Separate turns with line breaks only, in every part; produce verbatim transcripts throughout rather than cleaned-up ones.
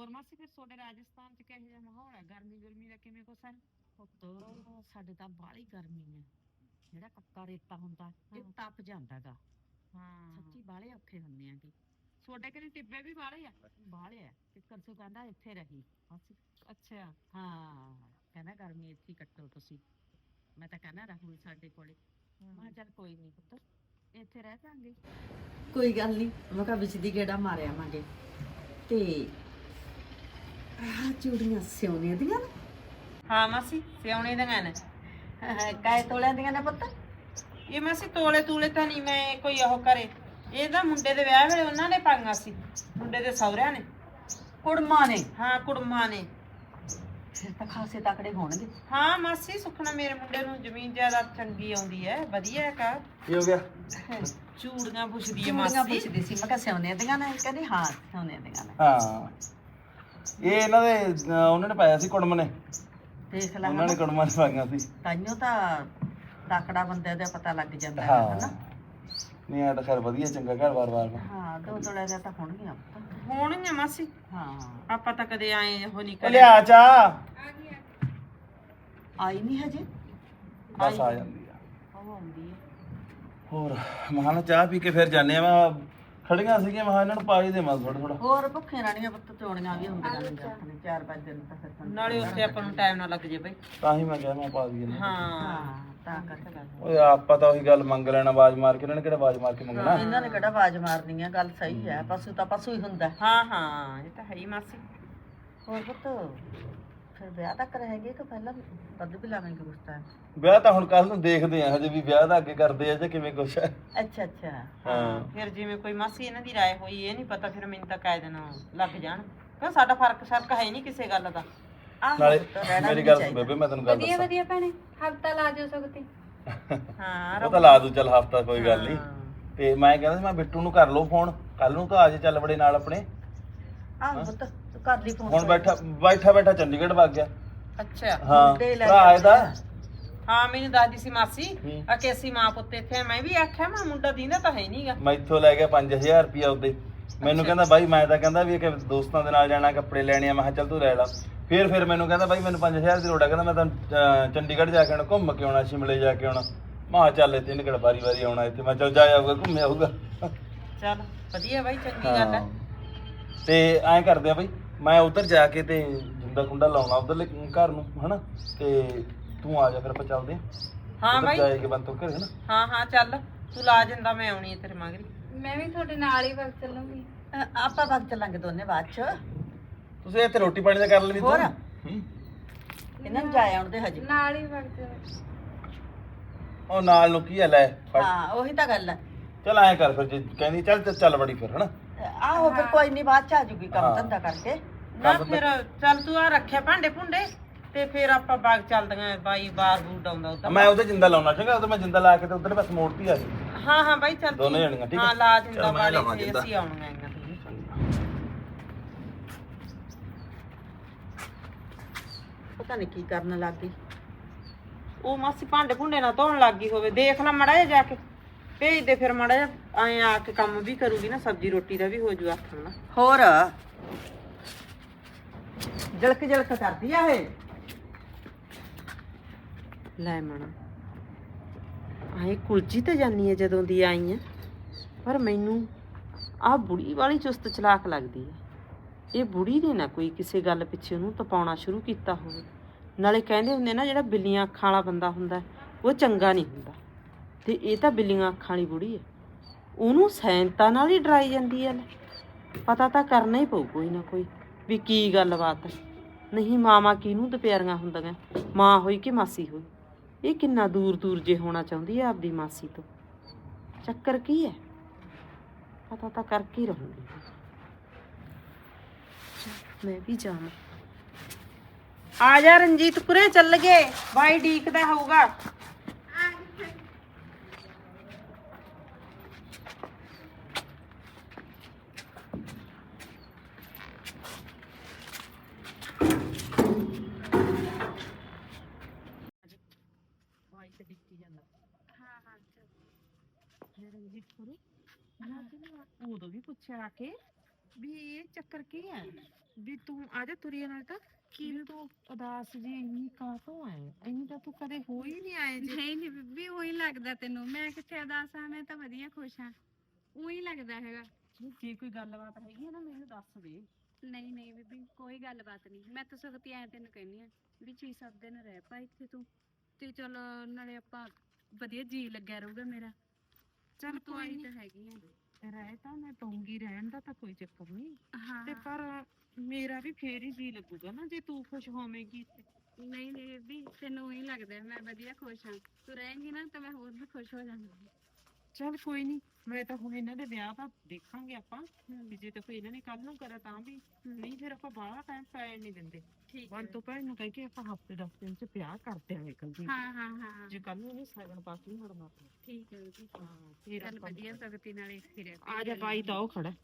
ਹੋਰ ਮਾਸੀ ਫਿਰ ਤੁਹਾਡੇ ਰਾਜਸਥਾਨ ਚ ਕਿਹੋ ਜਿਹਾ ਮਾਹੌਲ ਹੈ ਗਰਮੀ ਗੁਰਮੀ ਦਾ ਕਿਵੇਂ ਕੁਛ ਹੈ
ਪੁੱਤ ਸਾਡੇ ਤਾਂ ਬਾਹਲੀ ਗਰਮੀ ਹੈ। ਜਿਹੜਾ ਕੱਕਾ ਰੇਤਾ ਹੁੰਦਾ ਇਹ
ਹਾਂ
ਤਪ ਜਾਂਦਾਗਾ।
ਹਾਂ
ਸੱਚੀ ਬਾਹਲੇ ਔਖੇ ਹੁੰਦੇ ਆਗੇ।
ਤੁਹਾਡੇ ਕਿਹੜੇ ਟਿੱਬੇ ਵੀ ਵਾਲੇ ਆ
ਬਾਹਲੇ ਆ ਟਿੱਕਰ ਸੂ ਕਹਿੰਦਾ ਇੱਥੇ ਰਹੀ ਬਸ।
ਅੱਛਾ
ਹਾਂ ਕਹਿੰਦਾ ਗਰਮੀ ਇੱਥੇ ਹੀ ਕੱਟੋ ਤੁਸੀਂ। ਮੈਂ ਤਾਂ ਕਹਿੰਦਾ ਰਹੂ ਸਾਡੇ ਕੋਲੇ। ਮੈਂ ਕਿਹਾ ਚੱਲ ਕੋਈ ਨਹੀਂ ਪੁੱਤ ਇੱਥੇ ਰਹਿ ਜਾਾਂਗੇ। ਕੋਈ ਗੱਲ ਨਹੀਂ ਮੈਂ ਕਿਹਾ ਵਿੱਚ ਦੀ ਗੇੜਾ ਮਾਰਿਆ ਆਵਾਂਗੇ। ਤੇ ਆਹ ਚੂੜੀਆਂ ਸਿਉਣੇ ਦੀਆਂ ਨੇ
ਹਾਂ ਮਾਸੀ ਸਿਆਉਣੇ ਦੀਆਂ ਨੇ
ਕਾਏ ਤੋਲਿਆਂ ਦੀਆਂ ਨੇ ਪੁੱਤ।
ਇਹ ਮਾਸੀ ਤੋਲੇ ਤੂਲੇ ਤਾਂ ਨਹੀਂ ਮੈਂ ਕੋਈ ਉਹ ਕਰੇ ਇਹ ਤਾਂ ਮੁੰਡੇ ਦੇ ਵਿਆਹ ਵੇਲੇ ਉਹਨਾਂ ਨੇ ਪਾਈਆਂ ਸੀ ਮੁੰਡੇ ਦੇ ਸਹੁਰਿਆਂ ਨੇ
ਕੁੜਮਾਂ ਨੇ
ਹਾਂ ਕੁੜਮਾਂ ਨੇ
ਫਿਰ ਤਾਂ ਖਾਸੇ ਤਕੜੇ ਹੋਣਗੇ।
ਹਾਂ ਮਾਸੀ ਸੁਖਣਾ ਮੇਰੇ ਮੁੰਡੇ ਨੂੰ ਜ਼ਮੀਨ ਜਾਇਦਾਦ ਚੰਗੀ ਆਉਂਦੀ ਹੈ ਵਧੀਆ ਹੈ ਕਾ
ਕੀ ਹੋ ਗਿਆ?
ਚੂੜੀਆਂ ਪੁੱਛਦੀ ਹੈ
ਚੂੜੀਆਂ
ਮਾਸੀ
ਪੁੱਛਦੀ ਸੀ ਮੈਂ ਕਿਹਾ ਸਿਉਣੇ ਦੀਆਂ ਨੇ ਕਹਿੰਦੀ ਹਾਂ ਸਿਉਣੇ ਦੀਆਂ ਨੇ।
ਹਾਂ ਇਹ ਇਹਨਾਂ ਦੇ ਅਹ ਉਹਨਾਂ ਨੇ ਪਾਇਆ ਸੀ ਕੁੜਮ ਨੇ।
ਦੇਖ ਲੈ
ਉਹਨਾਂ ਨੇ ਕੁੜਮਾਂ ਨੇ ਪਾਈਆਂ ਸੀ।
ਤਾਈਓ ਤਾਂ ਤਾਕੜਾ ਬੰਦੇ ਦਾ ਪਤਾ ਲੱਗ ਜਾਂਦਾ ਹੈ
ਹਾਂ
ਹਨਾ।
ਨਹੀਂ ਆ ਤਾਂ ਖੈਰ ਵਧੀਆ ਚੰਗਾ ਘਰ ਬਾਰ ਬਾਰ
ਹਾਂ ਦੋ ਤੋਲੇ ਦਾ ਤਾਂ ਹੋਣਗੀਆਂ ਪੁੱਤ।
ਹੋਣਗੀਆਂ ਮਾਸੀ
ਹਾਂ
ਆਪਾਂ ਤਾਂ ਕਦੇ ਆਏ ਉਹ ਨਹੀਂ
ਉਹ
ਕਰੇ
ਲਿਆ ਚਾ
ਆਈ ਨਹੀਂ ਹਜੇ।
ਬਸ ਆ ਜਾਂਦੀ ਆ।
ਉਹ ਆਉਂਦੀ ਹੈ।
ਹੋਰ ਮਹਾਂ ਚਾਹ ਪੀ ਕੇ ਫਿਰ ਜਾਂਦੇ ਆ। ਮੈਂ ਖੜੀਆਂ ਸੀਗੀਆਂ ਮਹਾਂ ਇਹਨਾਂ ਨੂੰ ਪਾ ਹੀ ਦੇਵਾਂ ਥੋੜਾ ਥੋੜਾ।
ਹੋਰ ਭੁੱਖੇ ਰਾਣੀਆਂ ਪੁੱਤ ਚੋਣੀਆਂ ਵੀ ਹੁੰਦੀਆਂ ਨੇ ਆਪਣੇ ਚਾਰ ਪੰਜ ਦਿਨ ਤਾਂ ਫਿਰ ਤੁਹਾਨੂੰ
ਨਾਲੇ ਉੱਥੇ ਆਪਾਂ ਨੂੰ ਟਾਈਮ ਨਾ ਲੱਗ ਜੇ ਬਈ
ਤਾਂ ਹੀ ਮੈਂ ਕਿਹਾ ਮੈਂ ਪਾ ਦਈਏ ਨਾ।
ਹਾਂ
ਹਾਂ ਤਾਂ ਕਰਕੇ ਗੱਲ।
ਓਏ ਆਪਾਂ ਤਾਂ ਉਹੀ ਗੱਲ ਮੰਗ ਲੈਣਾ ਆਵਾਜ਼ ਮਾਰ ਕੇ। ਇਹਨਾਂ ਨੇ ਕਿਹੜਾ ਆਵਾਜ਼ ਮਾਰ ਕੇ ਮੰਗਣਾ।
ਇਹਨਾਂ ਨੇ ਕਿਹੜਾ ਆਵਾਜ਼ ਮਾਰਨੀ ਆ ਗੱਲ ਸਹੀ ਹੈ ਪਸ਼ੂ ਤਾਂ ਪਸ਼ੂ ਹੀ ਹੁੰਦਾ।
ਹਾਂ ਹਾਂ ਇਹ ਤਾਂ ਹੈ ਹੀ ਮਾਸੀ
ਹੋਰ ਪੁੱਤ ਫਿਰ ਵਿਆਹ ਤੱਕ ਰਹੇਗੀ ਕਿ ਪਹਿਲਾਂ ਵੱਧ ਵੀ ਲਾਵਾਂਗੇ ਉਸ ਟਾਈਮ।
ਵਿਆਹ ਤਾਂ ਹੁਣ ਕੱਲ ਨੂੰ ਦੇਖਦੇ ਆ ਹਜੇ ਵੀ ਵਿਆਹ ਦਾ ਅੱਗੇ ਕਰਦੇ ਆ ਜਾਂ ਕਿਵੇਂ ਕੁਛ ਹੈ।
ਅੱਛਾ ਅੱਛਾ
ਹਾਂ
ਫਿਰ ਜਿਵੇਂ ਕੋਈ ਮਾਸੀ ਇਹਨਾਂ ਦੀ ਰਾਏ ਹੋਈ ਇਹ ਨਹੀਂ ਪਤਾ ਫਿਰ ਮੈਨੂੰ ਤਾਂ ਕਾਇ ਦਿਨ ਲੱਗ ਜਾਣ ਕਿਉਂ ਸਾਡਾ ਫਰਕ ਸ਼ਰਕ ਹੈ ਨਹੀਂ ਕਿਸੇ ਗੱਲ ਦਾ
ਆਹ
ਨਾਲੇ
ਪੁੱਤ ਰਹਿਣਾ
ਮੇਰੀ
ਵੀ
ਗੱਲ
ਨਹੀਂ
ਸੁਣ
ਚਾਹੀਦਾ।
ਬੇਬੇ ਮੈਂ ਤੈਨੂੰ ਗੱਲ ਦੱਸਾਂ।
ਵਧੀਆ ਭੈਣੇ ਹਫਤਾ ਲਾ ਜਾਓ ਸਕਤੀ।
ਹਾਂ
ਉਹ ਤਾਂ ਲਾ ਦੂ ਚੱਲ ਹਫਤਾ ਕੋਈ ਗੱਲ ਨਹੀਂ।
ਹਾਂ।
ਤੇ ਮੈਂ ਕਹਿੰਦਾ ਸੀ ਮੈਂ ਬਿੱਟੂ ਨੂੰ ਕਰ ਲਓ ਫੋਨ ਕੱਲ ਨੂੰ ਤਾਂ ਆ ਜੇ ਚੱਲ ਬੜੇ ਨਾਲ ਆਪਣੇ।
ਆਹ ਪੁੱਤ ਤੂੰ ਕਰ ਲਈ ਫੋਨ।
ਹੁਣ ਬੈਠਾ ਬੈਠਾ ਬੈਠਾ ਚੰਡੀਗੜ੍ਹ ਵਗ ਗਿਆ।
ਅੱਛਾ
ਹਾਂ
ਮੁੰਡੇ ਲੈ
ਭਰਾ ਇਹਦਾ
ਹਾਂ ਮੈਨੂੰ ਦੱਸਦੀ ਸੀ ਮਾਸੀ
ਹੂੰ।
ਆ ਕਿ ਅਸੀਂ ਮਾਂ ਪੁੱਤ ਇੱਥੇ ਆ। ਮੈਂ ਵੀ ਆਖਿਆ ਮੈਂ ਮੁੰਡਾ ਦੀਂਦਾ ਤਾਂ ਹੈ ਨਹੀਂਗਾ
ਮੈਥੋਂ ਲੈ ਗਿਆ ਪੰਜ ਹਜ਼ਾਰ ਰੁਪਇਆ ਉਹਦੇ। ਮੈਨੂੰ ਕਹਿੰਦਾ ਬਾਈ ਮੈਂ ਤਾਂ ਕਹਿੰਦਾ ਵੀ ਕਿ ਦੋਸਤਾਂ ਦੇ ਨਾਲ ਜਾਣਾ ਕੱਪੜੇ ਲੈਣੇ ਆ। ਮੈਂ ਕਿਹਾ ਚੱਲ ਤੂੰ ਲੈ ਲਾ। ਫਿਰ ਫਿਰ ਮੈਨੂੰ ਕਹਿੰਦਾ ਬਾਈ ਮੈਨੂੰ ਪੰਜ ਹਜ਼ਾਰ ਦੀ ਲੋੜ ਆ। ਕਹਿੰਦਾ ਮੈਂ ਤਾਂ ਅਹ, ਚੰਡੀਗੜ੍ਹ ਜਾ ਕੇ ਆਉਣਾ ਘੁੰਮ ਕੇ ਆਉਣਾ ਸ਼ਿਮਲੇ ਜਾ ਕੇ ਆਉਣਾ। ਮੈਂ ਕਿਹਾ ਚੱਲ ਇੱਥੇ ਨਿਕੜ ਵਾਰੀ ਵਾਰੀ ਆਉਣਾ ਇੱਥੇ। ਮੈਂ ਚੱਲ ਜਾ ਆਊਗਾ ਘੁੰਮ ਆਊਗਾ।
ਚੱਲ ਵਧੀਆ ਬਾਈ ਚੰਗੀ ਗੱਲ ਹੈ
ਹਾਂ। ਤੇ ਐਂ ਕਰਦੇ ਆ ਬਈ ਮੈਂ ਉਧਰ ਜਾ ਕੇ ਤੇ ਜਿੰਦਾ ਕੁੰਡਾ ਲਾਉਣਾ ਉਧਰਲੇ ਘਰ ਨੂੰ ਹਨਾ। ਤੇ ਤੂੰ ਆ ਜਾ ਫਿਰ ਆਪਾਂ ਚੱਲਦੇ ਆ।
ਹਾਂ
ਉੱਧਰ
ਬਾਈ
ਜਾਏਗੇ ਬੰਤੋਂ ਘਰੇ ਹਨਾ।
ਹਾਂ ਹਾਂ ਚੱਲ ਤੂੰ ਲਾ ਜਾਂਦਾ ਮੈਂ ਆਉਣੀ ਹੈ ਤੇਰੇ ਮਗਰੀ
ਮੈਂ ਵੀ ਤੁਹਾਡੇ ਨਾਲ ਹੀ ਵਗ ਚੱਲੂੰਗੀ।
ਅਹ ਆਪਾਂ ਵਗ ਚੱਲਾਂਗੇ ਦੋਨੇ ਬਾਅਦ ਚ।
ਤੁਸੀਂ ਇੱਥੇ ਰੋਟੀ ਪਾਣੀ ਦਾ ਕਰ ਲੈਣੀ
ਹੋਰ?
ਹੂੰ।
ਇਹਨਾਂ ਨੂੰ ਜਾਏ ਆਉਣ ਦੇ ਹਜੇ।
ਨਾਲ ਹੀ ਵਗ ਚੱਲ।
ਉਹ ਨਾਲ ਨੂੰ ਕੀ ਹੈ ਲੈ ਫੜ।
ਹਾਂ ਉਹੀ ਤਾਂ ਗੱਲ ਹੈ।
ਚੱਲ ਐਂ ਕਰ ਫਿਰ ਜੇ ਕਹਿੰਦੀ ਚੱਲ ਤੇ ਚੱਲ ਬੜੀ ਫਿਰ ਹਨਾ।
ਆਹੋ ਫਿਰ ਕੋਈ ਨਹੀਂ ਬਾਅਦ ਚ ਆ ਜੂਗੀ ਕੰਮ
ਹਾਂ।
ਧੰਦਾ ਕਰਕੇ।
ਨਾ
ਕੰਮ ਤਾਂ-
ਫਿਰ ਚੱਲ ਤੂੰ ਆ ਰੱਖਿਆ ਭਾਂਡੇ ਭੁੰਡੇ ਤੇ ਫਿਰ ਆਪਾਂ ਬਾਗ ਚੱਲਦੀਆਂ ਬਾਈ ਬਾਰ ਬੂਟ ਆਉਂਦਾ ਉਹ ਤਾਂ
ਮੈਂ ਉਹਦੇ ਜਿੰਦਾ ਲਾਉਣਾ ਚੰਗਾ। ਉਹਦੇ ਮੈਂ ਜਿੰਦਾ ਲਾ ਕੇ ਤੇ ਉਧਰ ਬਸ ਮੋੜਤੀ ਆ ਜੀ।
ਹਾਂ ਹਾਂ ਬਾਈ ਚੱਲ
ਦੋਨੇ
ਤੂੰ-
ਜਾਣੀਆਂ, ਠੀਕ ਹੈ?
ਹਾਂ ਲਾ ਜਿੰਦਾ
ਚੱਲ ਮੈਂ ਲਾਵਾਂ
ਵਾਲੇ ਤੇ
ਜਿੰਦਾ।
ਅਸੀਂ ਆਉਣੀਆਂ ਆਈਆਂ ਤੁਸੀਂ
ਪਤਾ ਨਹੀਂ ਕੀ ਕਰਨ ਲੱਗ ਗਈ।
ਉਹ ਮਾਸੀ ਭਾਂਡੇ ਭੁੰਡੇ ਨਾ ਧੋਣ ਲੱਗ ਗਈ ਹੋਵੇ ਦੇਖ ਲੈ ਮੜਾ ਜਾ ਕੇ ਭੇਜ ਦੇ ਫਿਰ ਮੜਾ ਜਾ ਐਂ ਆ ਕੇ ਕੰਮ ਵੀ ਕਰੂਗੀ ਨਾ ਸਬਜ਼ੀ ਰੋਟੀ ਦਾ ਵੀ ਹੋ ਜੂ ਆਖਣ ਨਾਲ
ਹੋਰ ਜਲਕ ਜਲਕ ਕਰਦੀ ਆ ਇਹ।
ਲੈ ਮਣਾ ਆਏ ਕੁਲਜੀ ਤੇ ਜਾਨੀ ਹੈ ਜਦੋਂ ਦੀ ਆਈ ਆ ਪਰ ਮੈਨੂੰ ਆਹ ਬੁੜੀ ਵਾਲੀ ਚੁਸਤ ਚਲਾਕ ਲੱਗਦੀ ਹੈ। ਇਹ ਬੁੜੀ ਨੇ ਨਾ ਕੋਈ ਕਿਸੇ ਗੱਲ ਪਿੱਛੇ ਉਹਨੂੰ ਤਪਾਉਣਾ ਸ਼ੁਰੂ ਕੀਤਾ ਹੋਵੇ। ਨਾਲੇ ਕਹਿੰਦੇ ਹੁੰਦੇ ਨਾ ਜਿਹੜਾ ਬਿੱਲੀਆਂ ਅੱਖਾਂ ਵਾਲਾ ਬੰਦਾ ਹੁੰਦਾ ਉਹ ਚੰਗਾ ਨਹੀਂ ਹੁੰਦਾ ਤੇ ਇਹ ਤਾਂ ਬਿੱਲੀਆਂ ਅੱਖਾਂ ਵਾਲੀ ਬੁੜੀ ਹੈ। ਉਹਨੂੰ ਸੈਂਤਾਂ ਨਾਲ ਹੀ ਡਰਾਈ ਜਾਂਦੀ ਹੈ। ਪਤਾ ਤਾਂ ਕਰਨਾ ਹੀ ਪਊ ਕੋਈ ਨਾ ਕੋਈ ਵੀ ਕੀ ਗੱਲਬਾਤ ਹੈ। ਨਹੀਂ ਮਾਵਾਂ ਕਿਹਨੂੰ ਦੁਪਿਆਰੀਆਂ ਹੁੰਦੀਆਂ ਮਾਂ ਹੋਈ ਕਿ ਮਾਸੀ ਹੋਈ। ਇਹ ਕਿੰਨਾ ਦੂਰ ਦੂਰ ਜੇ ਹੋਣਾ ਚਾਹੁੰਦੀ ਹੈ ਆਪਦੀ ਮਾਸੀ ਤੋਂ। ਚੱਕਰ ਕੀ ਹੈ ਪਤਾ ਤਾਂ ਕਰਕੇ ਹੀ ਰਹੂੰਗੀ। ਮੈਂ ਵੀ ਜਾਵਾਂ। ਆ ਜਾ ਰਣਜੀਤ ਕੁਰੇ ਚੱਲ ਗਏ ਬਾਈ ਡੀਕਦਾ ਹੋਊਗਾ। ਉਦੋਂ ਵੀ ਪੁੱਛਿਆ ਆ ਕੇ ਵੀ ਇਹ ਚੱਕਰ ਕੀ ਹੈ ਵੀ ਤੂੰ ਆ ਜਾ ਤੁਰੀਏ ਨਾਲ ਤਾਂ ਕੀ ਤੂੰ ਉਦਾਸ ਜੀ ਇੰਨੀ ਕਾਹਤੋਂ ਹੈ ਇੰਨੀ ਤਾਂ ਤੂੰ ਕਦੇ ਹੋ ਹੀ ਨਹੀਂ ਆਏ ਜੀ
ਨਹੀਂ ਨਹੀਂ ਬੀਬੀ ਉਹੀ ਲੱਗਦਾ ਤੈਨੂੰ ਮੈਂ ਕਿੱਥੇ ਉਦਾਸ ਆ ਮੈਂ ਤਾਂ ਵਧੀਆ ਖੁਸ਼ ਆ ਉਹੀ ਲੱਗਦਾ ਹੈਗਾ
ਜੇ ਕੋਈ ਗੱਲਬਾਤ ਹੈਗੀ ਹੈ ਨਾ ਮੈਨੂੰ ਦੱਸ ਦੇ
ਨਹੀਂ ਨਹੀਂ ਬੀਬੀ ਕੋਈ ਗੱਲਬਾਤ ਨਹੀਂ ਮੈਂ ਤਾਂ ਸਗਤੀ ਐ ਤੈਨੂੰ ਕਹਿੰਦੀ ਆ ਵੀ ਛੇ ਸੱਤ ਦਿਨ ਰਹਿ ਪਾ ਇੱਥੇ ਤੂੰ ਤੇ ਚਲ ਨਾਲੇ ਆਪਾਂ ਵਧੀਆ ਜੀ ਲੱਗਿਆ ਰਹੂਗਾ ਮੇਰਾ
ਚੱਲ
ਤੂੰ
ਕੋਈ
ਆਈ
ਨੀ।
ਤਾਂ ਹੈਗੀ ਆ
ਰਹਿ ਤਾਂ ਮੈਂ ਪਊਂਗੀ ਰਹਿਣ ਦਾ ਤਾਂ ਕੋਈ ਚੱਕਰ ਨਹੀਂ
ਹਾਂ
ਤੇ ਪਰ ਮੇਰਾ ਵੀ ਫੇਰ ਹੀ ਜੀ ਲੱਗੂਗਾ ਨਾ ਜੇ ਤੂੰ ਖੁਸ਼ ਹੋਵੇਂਗੀ ਤੇ
ਨਹੀਂ ਨਹੀਂ ਬੀਬੀ ਤੈਨੂੰ ਹੀ ਲੱਗਦਾ ਮੈਂ ਵਧੀਆ ਖੁਸ਼ ਹਾਂ ਤੂੰ ਰਹੇਂਗੀ ਨਾ ਤਾਂ ਮੈਂ ਹੋਰ ਵੀ ਖੁਸ਼ ਹੋ ਜਾਵਾਂਗੀ
ਚੱਲ ਕੋਈ ਨਹੀਂ ਮੈਂ ਤਾਂ ਹੁਣ ਇਹਨਾਂ ਦੇ ਵਿਆਹ ਦਾ ਦੇਖਾਂਗੇ ਆਪਾਂ ਵੀ ਜੇ ਤਾਂ ਕੋਈ ਇਹਨਾਂ ਨੇ ਕੱਲ ਨੂੰ ਕਰਾ ਤਾਂ ਵੀ ਨਹੀਂ ਫਿਰ ਆਪਾਂ ਬਾਹਲਾ ਟਾਈਮ ਪੈਣ ਨਹੀਂ ਦਿੰਦੇ
ਠੀਕ
ਵਨ ਤੋਂ ਭੈਣ ਨੂੰ ਕਹਿ ਕੇ ਆਪਾਂ ਹਫਤੇ ਦਸ ਦਿਨ ਚ ਵਿਆਹ ਕਰ ਦਿਆਂਗੇ ਕੱਲ ਜੀ
ਹਾਂ ਹਾਂ ਹਾਂ
ਜੇ ਕੱਲ ਨੂੰ ਇਹ ਸਗਨ ਪਾ ਕੇ ਮੁੜਨਾ
ਠੀਕ ਹੈ ਬੀਬੀ
ਹਾਂ ਫਿਰ
ਚੱਲ
ਆਪਾਂ
ਵਧੀਆ ਸਗਤੀ ਨਾਲ ਇੱਥੇ ਰਹਿ
ਆ ਜਾ ਬਾਈ ਤਾਂ ਉਹ ਖੜਾ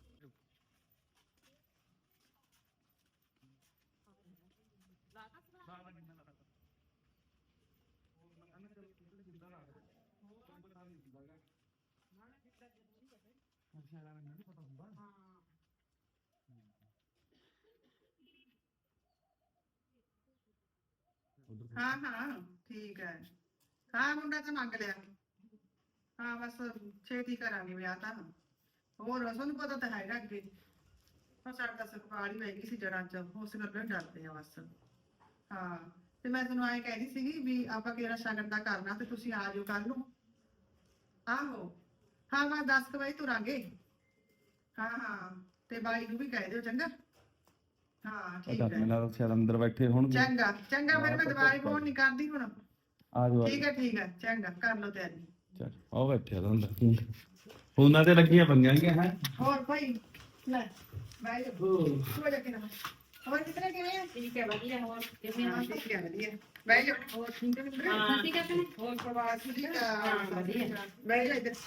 ਹਾਂ ਹਾਂ ਠੀਕ ਹੈ ਹਾਂ ਮੁੰਡਾ ਤਾਂ ਮੰਗ ਲਿਆ ਹਾਂ ਬਸ ਛੇਤੀ ਕਰਾਂਗੇ ਵਿਆਹ ਤਾਂ ਹੋਰ ਤੁਹਾਨੂੰ ਪਤਾ ਤਾਂ ਹੈਗਾ ਅੱਗੇ ਹਾਂ ਸਾਡਾ ਸੁਖਪਾਲ ਹੀ ਵੈਗੀ ਸੀ ਜੜਾਂ ਚ ਉਸ ਗੱਲ ਤੋਂ ਡਰਦੇ ਆ ਬਸ ਹਾਂ ਤੇ ਮੈਂ ਤੁਹਾਨੂੰ ਐਂ ਕਹਿੰਦੀ ਸੀਗੀ ਵੀ ਆਪਾਂ ਕਿਹੜਾ ਸ਼ਗਨ ਦਾ ਕਰਨਾ ਤੇ ਤੁਸੀਂ ਆ ਜਾਓ ਕੱਲ ਨੂੰ ਆਹੋ ਹਾਂ ਮੈਂ ਦਸ ਕੁ ਵਜੇ ਤੁਰਾਂਗੇ ਹਾਂ ਹਾਂ ਤੇ ਬਾਈ ਨੂੰ ਵੀ ਕਹਿ ਦਿਓ ਚੰਗਾ ਹਾਂ ਠੀਕ
ਪਤਾ
ਹੈ
ਮੈਨੂੰ ਸ਼ਾਇਦ ਅੰਦਰ ਬੈਠੇ ਹੋਣਗੇ
ਚੰਗਾ ਚੰਗਾ ਫਿਰ ਮੈਂ ਦੁਬਾਰੇ ਫੋਨ ਨਹੀਂ ਕਰਦੀ ਹੁਣ
ਆ ਜਾਓ
ਠੀਕ ਹੈ ਠੀਕ ਹੈ ਚੰਗਾ ਕਰ ਲਓ ਤਿਆਰੀ
ਚਲ ਉਹ ਬੈਠਿਆ ਤਾਂ ਹੁੰਦਾ ਫੋਨਾਂ ਤੇ ਲੱਗੀਆਂ ਪੰਗਾਂ ਗਿਆ ਹੈ
ਹੋਰ ਭਾਈ ਲੈ ਬਾਈ ਹੋ ਜਾ ਕੇ ਨਾ ਹੋਰ ਕਿਤਨੇ ਕਿਵੇਂ ਆ
ਠੀਕ ਹੈ ਵਧੀਆ ਹੋਰ ਕਿਵੇਂ
ਹਾਂ ਠੀਕ ਹੈ ਵਧੀਆ ਬਾਈ ਹੋਰ ਠੀਕ ਹੈ ਮਿੰਦਰ
ਹਾਂ
ਠੀਕ ਹੈ ਭੈਣੇ
ਹੋਰ ਪ੍ਰਵਾਸ ਵਧੀਆ
ਹਾਂ, ਵਧੀਆ।
ਬਾਈ ਜਾ ਇੱਧਰ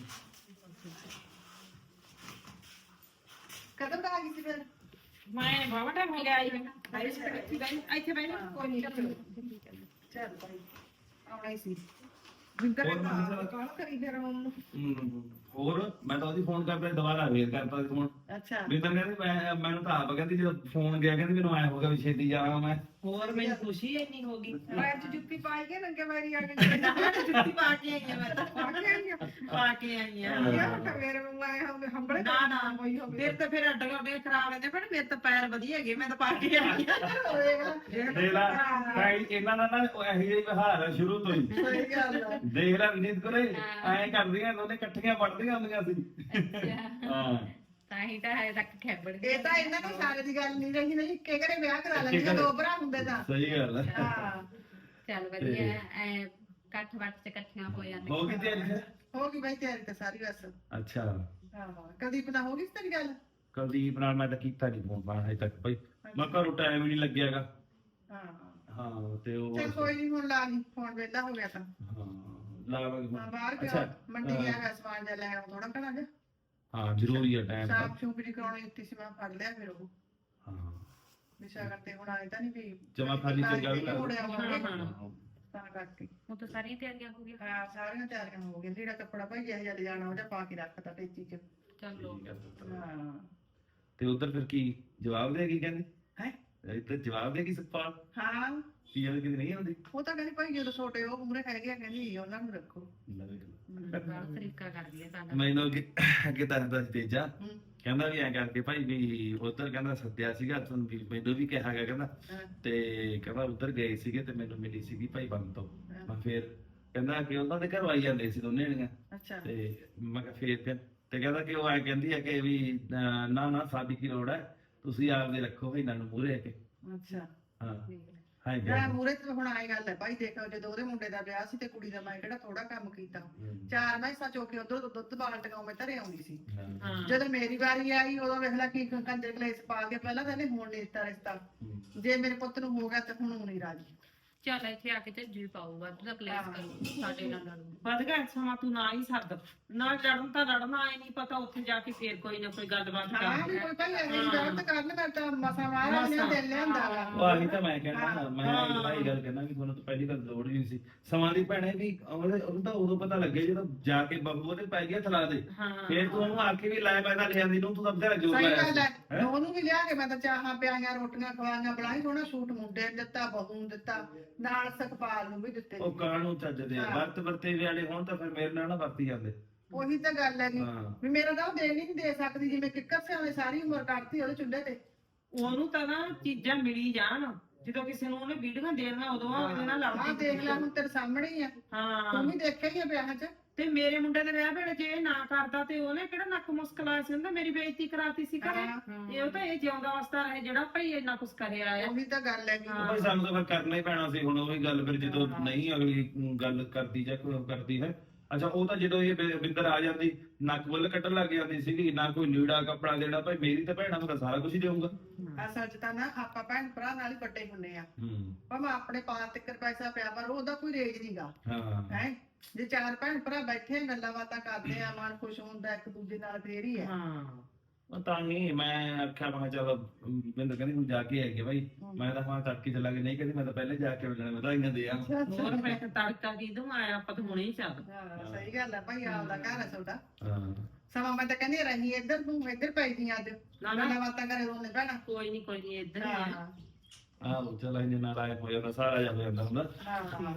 ਕਦੋਂ ਕਾ ਗਈ ਸੀ ਫਿਰ
ਮੈਂ ਬਾਬਾ ਟਾਈਮ ਹੋ ਗਿਆ ਆਈ ਬਾਈ ਇੱਥੇ ਬੈਠ
ਕੋਈ ਨਹੀਂ ਚੱਲ ਭਾਈ ਆਉਣਾ ਹੀ ਸੀ ਵਿੰਦਰ ਨੇ ਕਾਲ ਕਰੀ ਫਿਰ ਉਹਨੂੰ
ਹੋਰ ਮੈਂ ਤਾਂ ਉਹਦੀ ਫੋਨ ਕਰਦਾ ਦੁਬਾਰਾ ਵੇਟ ਕਰਦਾ ਸੀ ਫੋਨ
ਅੱਛਾ
ਵੀ ਤਾਂ ਕਹਿੰਦੀ ਮੈਂ ਮੈਨੂੰ ਤਾਂ ਆਪ ਕਹਿੰਦੀ ਜਦੋਂ ਫੋਨ ਗਿਆ ਕਹਿੰਦੀ ਮੈਨੂੰ ਐ ਹੋ ਗਿਆ ਵੀ ਛੇਤੀ ਜਾਵਾਂ ਮੈਂ
ਹੋਰ ਮੈਨੂੰ ਖੁਸ਼ੀ ਇੰਨੀ ਹੋ ਗਈ
ਮੈਂ ਅੱਜ ਜੁੱਤੀ ਪਾਈ ਕੇ ਨੰਗੇ ਵਾਰੀ ਆ ਕੇ
ਜੁੱਤੀ ਪਾ ਕੇ ਆਈ ਆ ਮੈਂ ਤਾਂ
ਪਾ ਕੇ ਆਈ ਆ
ਪਾ ਕੇ ਆਈ ਆ
ਯਾਰ ਤਾਂ ਮੇਰੇ ਮੂੰਹ ਆਏ ਹੋਵੇ ਹੰਬੜੇ
ਨਾ ਨਾ
ਹੋਈ ਹੋਵੇ
ਮੇਰੇ ਤਾਂ ਫਿਰ ਅੱਡ ਗੋਡੇ ਖਰਾਬ ਰਹਿੰਦੇ ਪਰ ਮੇਰੇ ਤਾਂ ਪੈਰ ਵਧੀਆ ਹੈਗੇ ਮੈਂ ਤਾਂ ਪਾ ਕੇ ਆਈ ਆ
ਹੋਏਗਾ
ਦੇਖ ਲੈ ਤਾਂ ਇਹਨਾਂ ਦਾ ਨਾ ਇਹੋ ਜਿਹਾ ਵਿਹਾਰ ਹੈ ਸ਼ੁਰੂ ਤੋਂ ਹੀ
ਸਹੀ ਗੱਲ ਹੈ
ਦੇਖ ਲੈ ਵਿਨੀਤ ਕੋਲੇ ਐਂ ਕਰਦੀਆਂ ਦੋਨੇ ਇਕੱਠੀਆਂ ਪੜਦੀਆਂ ਹੁੰਦੀਆਂ ਸੀ ਹਾਂ
ਤਾਂ ਹੀ ਤਾਂ ਹਜੇ ਤੱਕ ਖੈਬੜ
ਇਹ ਤਾਂ ਇਹਨਾਂ ਨੂੰ ਸਾਰੇ ਦੀ ਗੱਲ ਨਹੀਂ ਰਹੀ ਨਹੀਂ ਇੱਕੇ ਘਰੇ ਵਿਆਹ ਕਰਾ ਲੈਂਦੇ ਦੋ ਭਰਾ ਹੁੰਦੇ ਤਾਂ
ਸਹੀ ਗੱਲ ਹੈ
ਹਾਂ
ਚੱਲ ਵਧੀਆ ਐ ਇਕੱਠ ਵੱਟ ਚ ਇਕੱਠੀਆਂ ਹੋ ਜਾਂਦੇ
ਹੋ ਗਈ ਤਿਆਰੀ ਫਿਰ?
ਹੋ ਗਈ ਬਾਈ ਤਿਆਰੀ ਤਾਂ ਸਾਰੀ ਬਸ
ਅੱਛਾ
ਹਾਂ ਕਦੀ ਪਤਾ ਹੋ ਗਈ ਸੀ ਤੇਰੀ ਗੱਲ
ਕੁਲਦੀਪ ਨਾਲ ਮੈਂ ਤਾਂ ਕੀਤਾ ਨਹੀਂ ਫੋਨ ਪਾ ਹਜੇ ਤੱਕ ਭਾਈ ਮੈਂ ਘਰੋਂ ਟਾਈਮ ਹੀ ਨਹੀਂ ਲੱਗਿਆਗਾ
ਹਾਂ
ਹਾਂ ਤੇ ਉਹ
ਚਲ ਕੋਈ ਨਹੀਂ ਹੁਣ ਲਾ ਲਈ ਫੋਨ ਵਿਹਲਾ ਹੋ ਗਿਆ ਤਾਂ
ਹਾਂ ਲਾਵਾਂਗੇ
ਹਾਂ
ਫੋਨ।
ਬਾਹਰ ਗਿਆ
ਅੱਛਾ,
ਮੰਡੀ
ਹਾਂ।
ਗਿਆ ਹੈ ਸਮਾਨ ਜਿਹਾ ਲੈ ਆਉਂ ਥੋੜਾ ਘਣਾ ਜਾ
ਹਾਂ ਜ਼ਰੂਰੀ ਹੈ ਟਾਈਮ
ਸਾਫ ਸ਼ੂਪ ਦੀ ਕਰਾਉਣੀ ਉੱਤੀ ਸੀ ਮੈਂ ਫੜ ਲਿਆ ਫਿਰ ਉਹ
ਹਾਂ
ਵਿਸ਼ਾ ਕਰਤੇ ਹੁਣ ਆਏ ਤਾਂ ਨਹੀਂ ਵੀ
ਜਮਾ ਖਾਲੀ ਚੰਗਾ ਵੀ ਲੱਗਦਾ।
ਮੁੜਿਆ ਹੋਵੇ
ਹਾਂ।
ਤਾਂ ਕਰਕੇ
ਉਹ ਤਾਂ ਸਾਰੀਆਂ ਤਿਆਰੀਆਂ ਹੋ ਗਈਆਂ
ਹਾਂ ਸਾਰੀਆਂ ਤਿਆਰੀਆਂ ਹੋ ਗਈਆਂ ਜਿਹੜਾ ਕੱਪੜਾ ਭਾਈ ਇਹ ਜਿਹਾ ਲਿਜਾਣਾ ਉਹਦਾ ਪਾ ਕੇ ਰੱਖਤਾ ਟੇਚੀ ਚ
ਚਲੋ
ਠੀਕ ਹੈ ਪੁੱਤ।
ਹਾਂ
ਤੇ ਉਧਰ ਫਿਰ ਕੀ ਜਵਾਬ ਦੇ ਕੀ ਕਹਿੰਦੇ
ਹੈ
ਇੱਧਰ ਜਵਾਬ ਦੇ ਕੀ ਸੁਖਪਾਲ
ਹਾਂ
ਕੀ ਕਹਿੰਦੇ ਕਿ ਨਹੀਂ ਆਉਂਦੀ
ਉਹ ਤਾਂ ਕਹਿੰਦੀ ਭਾਈ ਜਦੋਂ ਛੋਟੇ ਉਹ ਮੂਰੇ ਹੈਗੇ ਆ ਕਹਿੰਦੀ ਉਹਨਾਂ ਨੂੰ ਰੱਖੋ
ਗਲਤ ਤਰੀਕਾ ਕਰਦੀ ਹੈ ਸਾਡਾ
ਮੈਨੂੰ ਅੱਗੇ ਅੱਗੇ ਦੱਸਦਾ ਸੀ ਤੇਜਾ
ਹੂੰ
ਕਹਿੰਦਾ ਵੀ ਐਂ ਕਰਕੇ ਭਾਈ ਵੀ ਉਧਰ ਕਹਿੰਦਾ ਸੱਦਿਆ ਸੀਗਾ ਤੁਹਾਨੂੰ ਵੀ ਮੈਨੂੰ ਵੀ ਕਿਹਾ ਗਿਆ ਕਹਿੰਦਾ
ਹਾਂ,
ਤੇ ਕਹਿੰਦਾ ਉਧਰ ਗਏ ਸੀਗੇ ਤੇ ਮੈਨੂੰ ਮਿਲੀ ਸੀਗੀ ਭਾਈ ਬੰਦ ਤੋਂ
ਹਾਂ,
ਮੈਂ ਫੇਰ ਕਹਿੰਦਾ ਕਿ ਉਹਨਾਂ ਦੇ ਘਰੋਂ ਆਈ ਜਾਂਦੇ ਸੀ ਦੋਨੇ ਜਣੀਆਂ
ਅੱਛਾ
ਤੇ ਮੈਂ ਕਿਹਾ ਫੇਰ ਫਿਰ ਤੇ ਕਹਿੰਦਾ ਕਿ ਉਹ ਐ ਕਹਿੰਦੀ ਹੈ ਕਿ ਵੀ ਅਹ, ਨਾ ਨਾ ਸਾਡੀ ਕੀ ਲੋੜ ਹੈ ਤੁਸੀਂ ਆਪਦੇ ਰੱਖੋ ਇਹਨਾਂ ਨੂੰ ਮੂਹਰੇ ਕੇ
ਅੱਛਾ
ਹਾਂ ਹਾਂ ਜੀ।
ਮੈਂ ਮੂਰੇ ਤੇ ਹੁਣ ਆਏ ਗੱਲ ਹੈ ਭਾਈ ਦੇਖ ਜਦੋਂ ਉਹਦੇ ਮੁੰਡੇ ਦਾ ਵਿਆਹ ਸੀ ਤੇ ਕੁੜੀ ਦਾ ਮੈਂ ਕਿਹੜਾ ਥੋੜਾ ਕੰਮ ਕੀਤਾ ਚਾਰ ਮੈਸਾਂ ਚੋਕੇ ਉਧਰ ਦੁੱਧ ਬਾਲਟੀਆਂ ਮੈਂ ਧਰੇ ਆਉਂਦੀ ਸੀ
ਹਾਂ।
ਹਾਂ
ਜਦੋਂ ਮੇਰੀ ਵਾਰੀ ਆਈ ਉਦੋਂ ਵੇਖ ਲੈ ਕੀ ਕੰਜਰ ਕਲੇਸ ਪਾ ਕੇ ਪਹਿਲਾਂ ਤਾਂ ਇਹਨੇ ਹੁਣ ਨਹੀਂ ਦਿੱਤਾ ਰਿਸ਼ਤਾ
ਹੂੰ।
ਜੇ ਮੇਰੇ ਪੁੱਤ ਨੂੰ ਹੋ ਗਿਆ ਤਾਂ ਹੁਣ ਉਹ ਨਹੀਂ ਰਾਜੀ
ਚੱਲ ਇੱਥੇ ਆ ਕੇ ਤੇ ਜੀ ਪਾਊਗਾ ਤੂੰ ਤਾਂ ਕਲੇਸ਼ ਕਰੂ ਸਾਡੇ ਨਾਲ ਲੜੂ
ਵਧ ਗਿਆ ਸਮਾਂ ਤੂੰ ਨਾ ਹੀ ਸੱਦ ਨਾ ਲੜਨ ਤਾਂ ਲੜਨਾ ਆਏ ਨਹੀਂ ਪਤਾ ਉੱਥੇ ਜਾ ਕੇ ਫੇਰ ਕੋਈ ਨਾ ਕੋਈ ਗੱਲਬਾਤ
ਹਾਂ ਵੀ
ਕਰ
ਕੋਈ ਭਾਈ ਇਹ ਗਲਤ ਕਰਨ ਮੈਂ ਤਾਂ ਮਸਾ ਮਾਰਾ ਨੇ
ਮਸਾਂ।
ਦਿਲ ਲਿਆਂਦਾ ਵਾ
ਉਹ ਆਹੀ ਤਾਂ ਮੈਂ ਕਹਿਣਾ ਮੈਂ ਇਹ ਗੱਲ ਕਹਿਣਾ ਵੀ ਤੁਹਾਨੂੰ ਤਾਂ ਪਹਿਲੀ ਗੱਲ ਲੋੜ ਨਹੀਂ ਸੀ ਸਮਾਂ ਦੀ ਭੈਣੇ ਵੀ ਉਹਦੇ ਉਹਨੂੰ ਤਾਂ ਉਦੋਂ ਪਤਾ ਲੱਗੇ ਜਦੋਂ ਜਾ ਕੇ ਬਹੂ ਉਹਦੇ ਪੈ ਗਿਆ ਥਲਾ ਦੇ
ਹਾਂ
ਫੇਰ ਤੂੰ ਉਹਨੂੰ ਆ ਕੇ ਵੀ ਲੈ ਪੈਦਾ ਲਿਆਂਦੀ ਨੂੰ ਤੂੰ ਤਾਂ ਬਥੇਰਾ ਜੋਰ
ਸਹੀ
ਲਾਇਆ
ਗੱਲ ਹੈ
ਸੀ ਹੈਂ?
ਉਹਨੂੰ ਵੀ ਲਿਆ ਕੇ ਮੈਂ ਤਾਂ ਚਾਹਾਂ ਪਿਆਈਆਂ ਰੋਟੀਆਂ ਖਵਾਈਆਂ ਬਣਾਈ ਸੋਹਣਾ ਸੂਟ ਮੁੰਡੇ ਨੂੰ ਦਿੱਤਾ ਬਹੂ ਨੂੰ ਦਿੱਤਾ ਨਾਲ ਸੁਖਪਾਲ ਨੂੰ ਵੀ ਦਿੱਤੇ
ਉਹ ਕਾਹਨੂੰ ਚੱਜਦੇ ਆ ਵਰਤ ਵਰਤੇ ਵਾਲੇ ਹੋਣ ਤਾਂ ਫਿਰ ਮੇਰੇ ਨਾਲ ਨਾ ਵਰਤੀ ਜਾਂਦੇ
ਉਹੀ ਤਾਂ ਗੱਲ ਹੈਗੀ
ਹਾਂ
ਵੀ ਮੇਰਾ ਤਾਂ ਉਹ ਦੇ ਨਹੀਂ ਦੇ ਸਕਦੀ ਜਿਵੇਂ ਕਿੱਕਰ ਸਿਆਣੇ ਸਾਰੀ ਉਮਰ ਕੱਢਤੀ ਉਹਦੇ ਚੁੱਲ੍ਹੇ ਤੇ
ਉਹਨੂੰ ਤਾਂ ਨਾ ਚੀਜ਼ਾਂ ਮਿਲੀ ਜਾਣ ਜਦੋਂ ਕਿਸੇ ਨੂੰ ਉਹਨੇ ਵੀਡੀਓ ਦੇਣਾ ਉਦੋਂ ਆ ਉਹਦੇ ਨਾਲ
ਆਹ
ਲੜਦੀ
ਦੇਖ ਲੈ ਹੁਣ ਤੇਰੇ ਸਾਹਮਣੇ ਹੀ ਆ
ਹਾਂ
ਤੂੰ ਵੀ ਦੇਖਿਆ ਹੀ ਆ ਵਿਆਹ 'ਚ
ਤੇ ਮੇਰੇ ਮੁੰਡੇ ਦੇ ਵਿਆਹ ਵੇਲੇ ਜੇ ਇਹ ਨਾ ਕਰਦਾ ਤੇ ਉਹਨੇ ਕਿਹੜਾ ਨੱਕ ਮੁਸਕਲਾਇਆ ਸੀ ਉਹਦਾ ਮੇਰੀ ਬੇਇੱਜ਼ਤੀ ਕਰਾਤੀ ਸੀ ਘਰੇ
ਹਾਂ,
ਇਹ ਉਹ ਤਾਂ ਇਹ ਜਿਉਂਦਾ ਵਸਦਾ ਰਹੇ ਜਿਹੜਾ ਭਾਈ ਇੰਨਾ ਕੁਛ ਕਰਿਆ ਆ
ਉਹੀ ਤਾਂ ਗੱਲ ਹੈਗੀ
ਹਾਂ।
ਭਾਈ ਸਾਨੂੰ ਤਾਂ ਫਿਰ ਕਰਨਾ ਹੀ ਪੈਣਾ ਸੀ ਹੁਣ ਉਹੀ ਗੱਲ ਫਿਰ ਜਦੋਂ ਨਹੀਂ ਅਗਲੀ ਗੱਲ ਕਰਦੀ ਜਾਂ ਕੋਈ ਕਰਦੀ ਹੈ ਅੱਛਾ ਉਹ ਤਾਂ ਜਦੋਂ ਇਹ ਬਿ- ਬਿੰਦਰ ਆ ਜਾਂਦੀ ਨੱਕ ਵੱਲ ਕੱਟਣ ਲੱਗ ਜਾਂਦੀ ਸੀਗੀ ਨਾ ਕੋਈ ਲੀੜਾ ਕੱਪੜਾ ਦੇਣਾ ਭਾਈ ਮੇਰੀ ਤਾਂ ਭੈਣਾਂ ਨੂੰ ਤਾਂ ਸਾਰਾ ਕੁਝ ਹੀ ਦੇਊਂਗਾ
ਅਸਲ 'ਚ ਤਾਂ ਨਾ ਆਪਾਂ ਭੈਣ ਭਰਾ ਨਾਲ ਹੀ ਵੱਡੇ ਹੁੰਨੇ ਆ
ਹੂੰ
ਭਾਵੇਂ ਆਪਣੇ ਪਾਸ ਤਿੱਕਰ ਪੈਸਾ ਪਿਆ ਪਰ ਉਹਦਾ ਕੋਈ ਰੇਜ ਨਹੀਂਗਾ
ਹਾਂ
ਹੈ ਜੇ ਚਾਰ ਭੈਣ ਭਰਾ ਬੈਠੇ ਗੱਲਾਂ ਬਾਤਾਂ ਕਰਦੇ ਆ ਮਨ ਖੁਸ਼ ਹੁੰਦਾ ਇੱਕ ਦੂਜੇ ਨਾਲ ਫੇਰ ਹੀ ਹੈ
ਹਾਂ
ਉਹ ਤਾਂ ਹੀ ਮੈਂ ਆਖਿਆ ਮੈਂ ਕਿਹਾ ਚੱਲ ਬਿੰਦਰ ਕਹਿੰਦੀ ਹੁਣ ਜਾ ਕੇ ਆਏਗੇ ਭਾਈ ਮੈਂ ਤਾਂ ਹਾਂ ਤੜਕੇ ਚਲਾ ਕੇ ਨਹੀਂ ਕਹਿੰਦੀ ਮੈਂ ਤਾਂ ਪਹਿਲੇ ਜਾ ਕੇ ਮਿਲਣਾ ਵਧਾਈਆਂ ਦੇ ਆ
ਹੋਰ ਮੈਂ ਕਿਹਾ ਤੜਕਾ ਕਿਦੋਂ ਆਇਆ ਆਪਾਂ ਤਾਂ ਹੁਣੇ ਹੀ ਚੱਲ
ਹਾਂ ਸਹੀ ਗੱਲ ਹੈ ਭਾਈ ਆਪਦਾ ਘਰ ਹੈ ਤੁਹਾਡਾ
ਹਾਂ
ਸਮਾਂ ਮੈਂ ਤਾਂ ਕਹਿੰਦੀ ਰਹੀ ਇੱਧਰ ਤੂੰ ਇੱਧਰ ਪਈ ਦੀ ਅੱਜ
ਨਾ ਨਾ
ਗੱਲਾਂ ਬਾਤਾਂ ਕਰੇ ਦੋਨੇ ਭੈਣਾਂ
ਕੋਈ ਨਹੀਂ ਕੋਈ ਨਹੀਂ ਇੱਧਰ ਹੀ ਆ
ਹਾਂ
ਆਹੋ ਚੱਲ ਇਹਨੇ ਨਾਲ ਆਏ ਹੋ ਜਾਂਦਾ ਸਾਰਾ ਜਾ ਹੋ ਜਾਂਦਾ ਹੁੰਦਾ
ਹਾਂ ਹਾਂ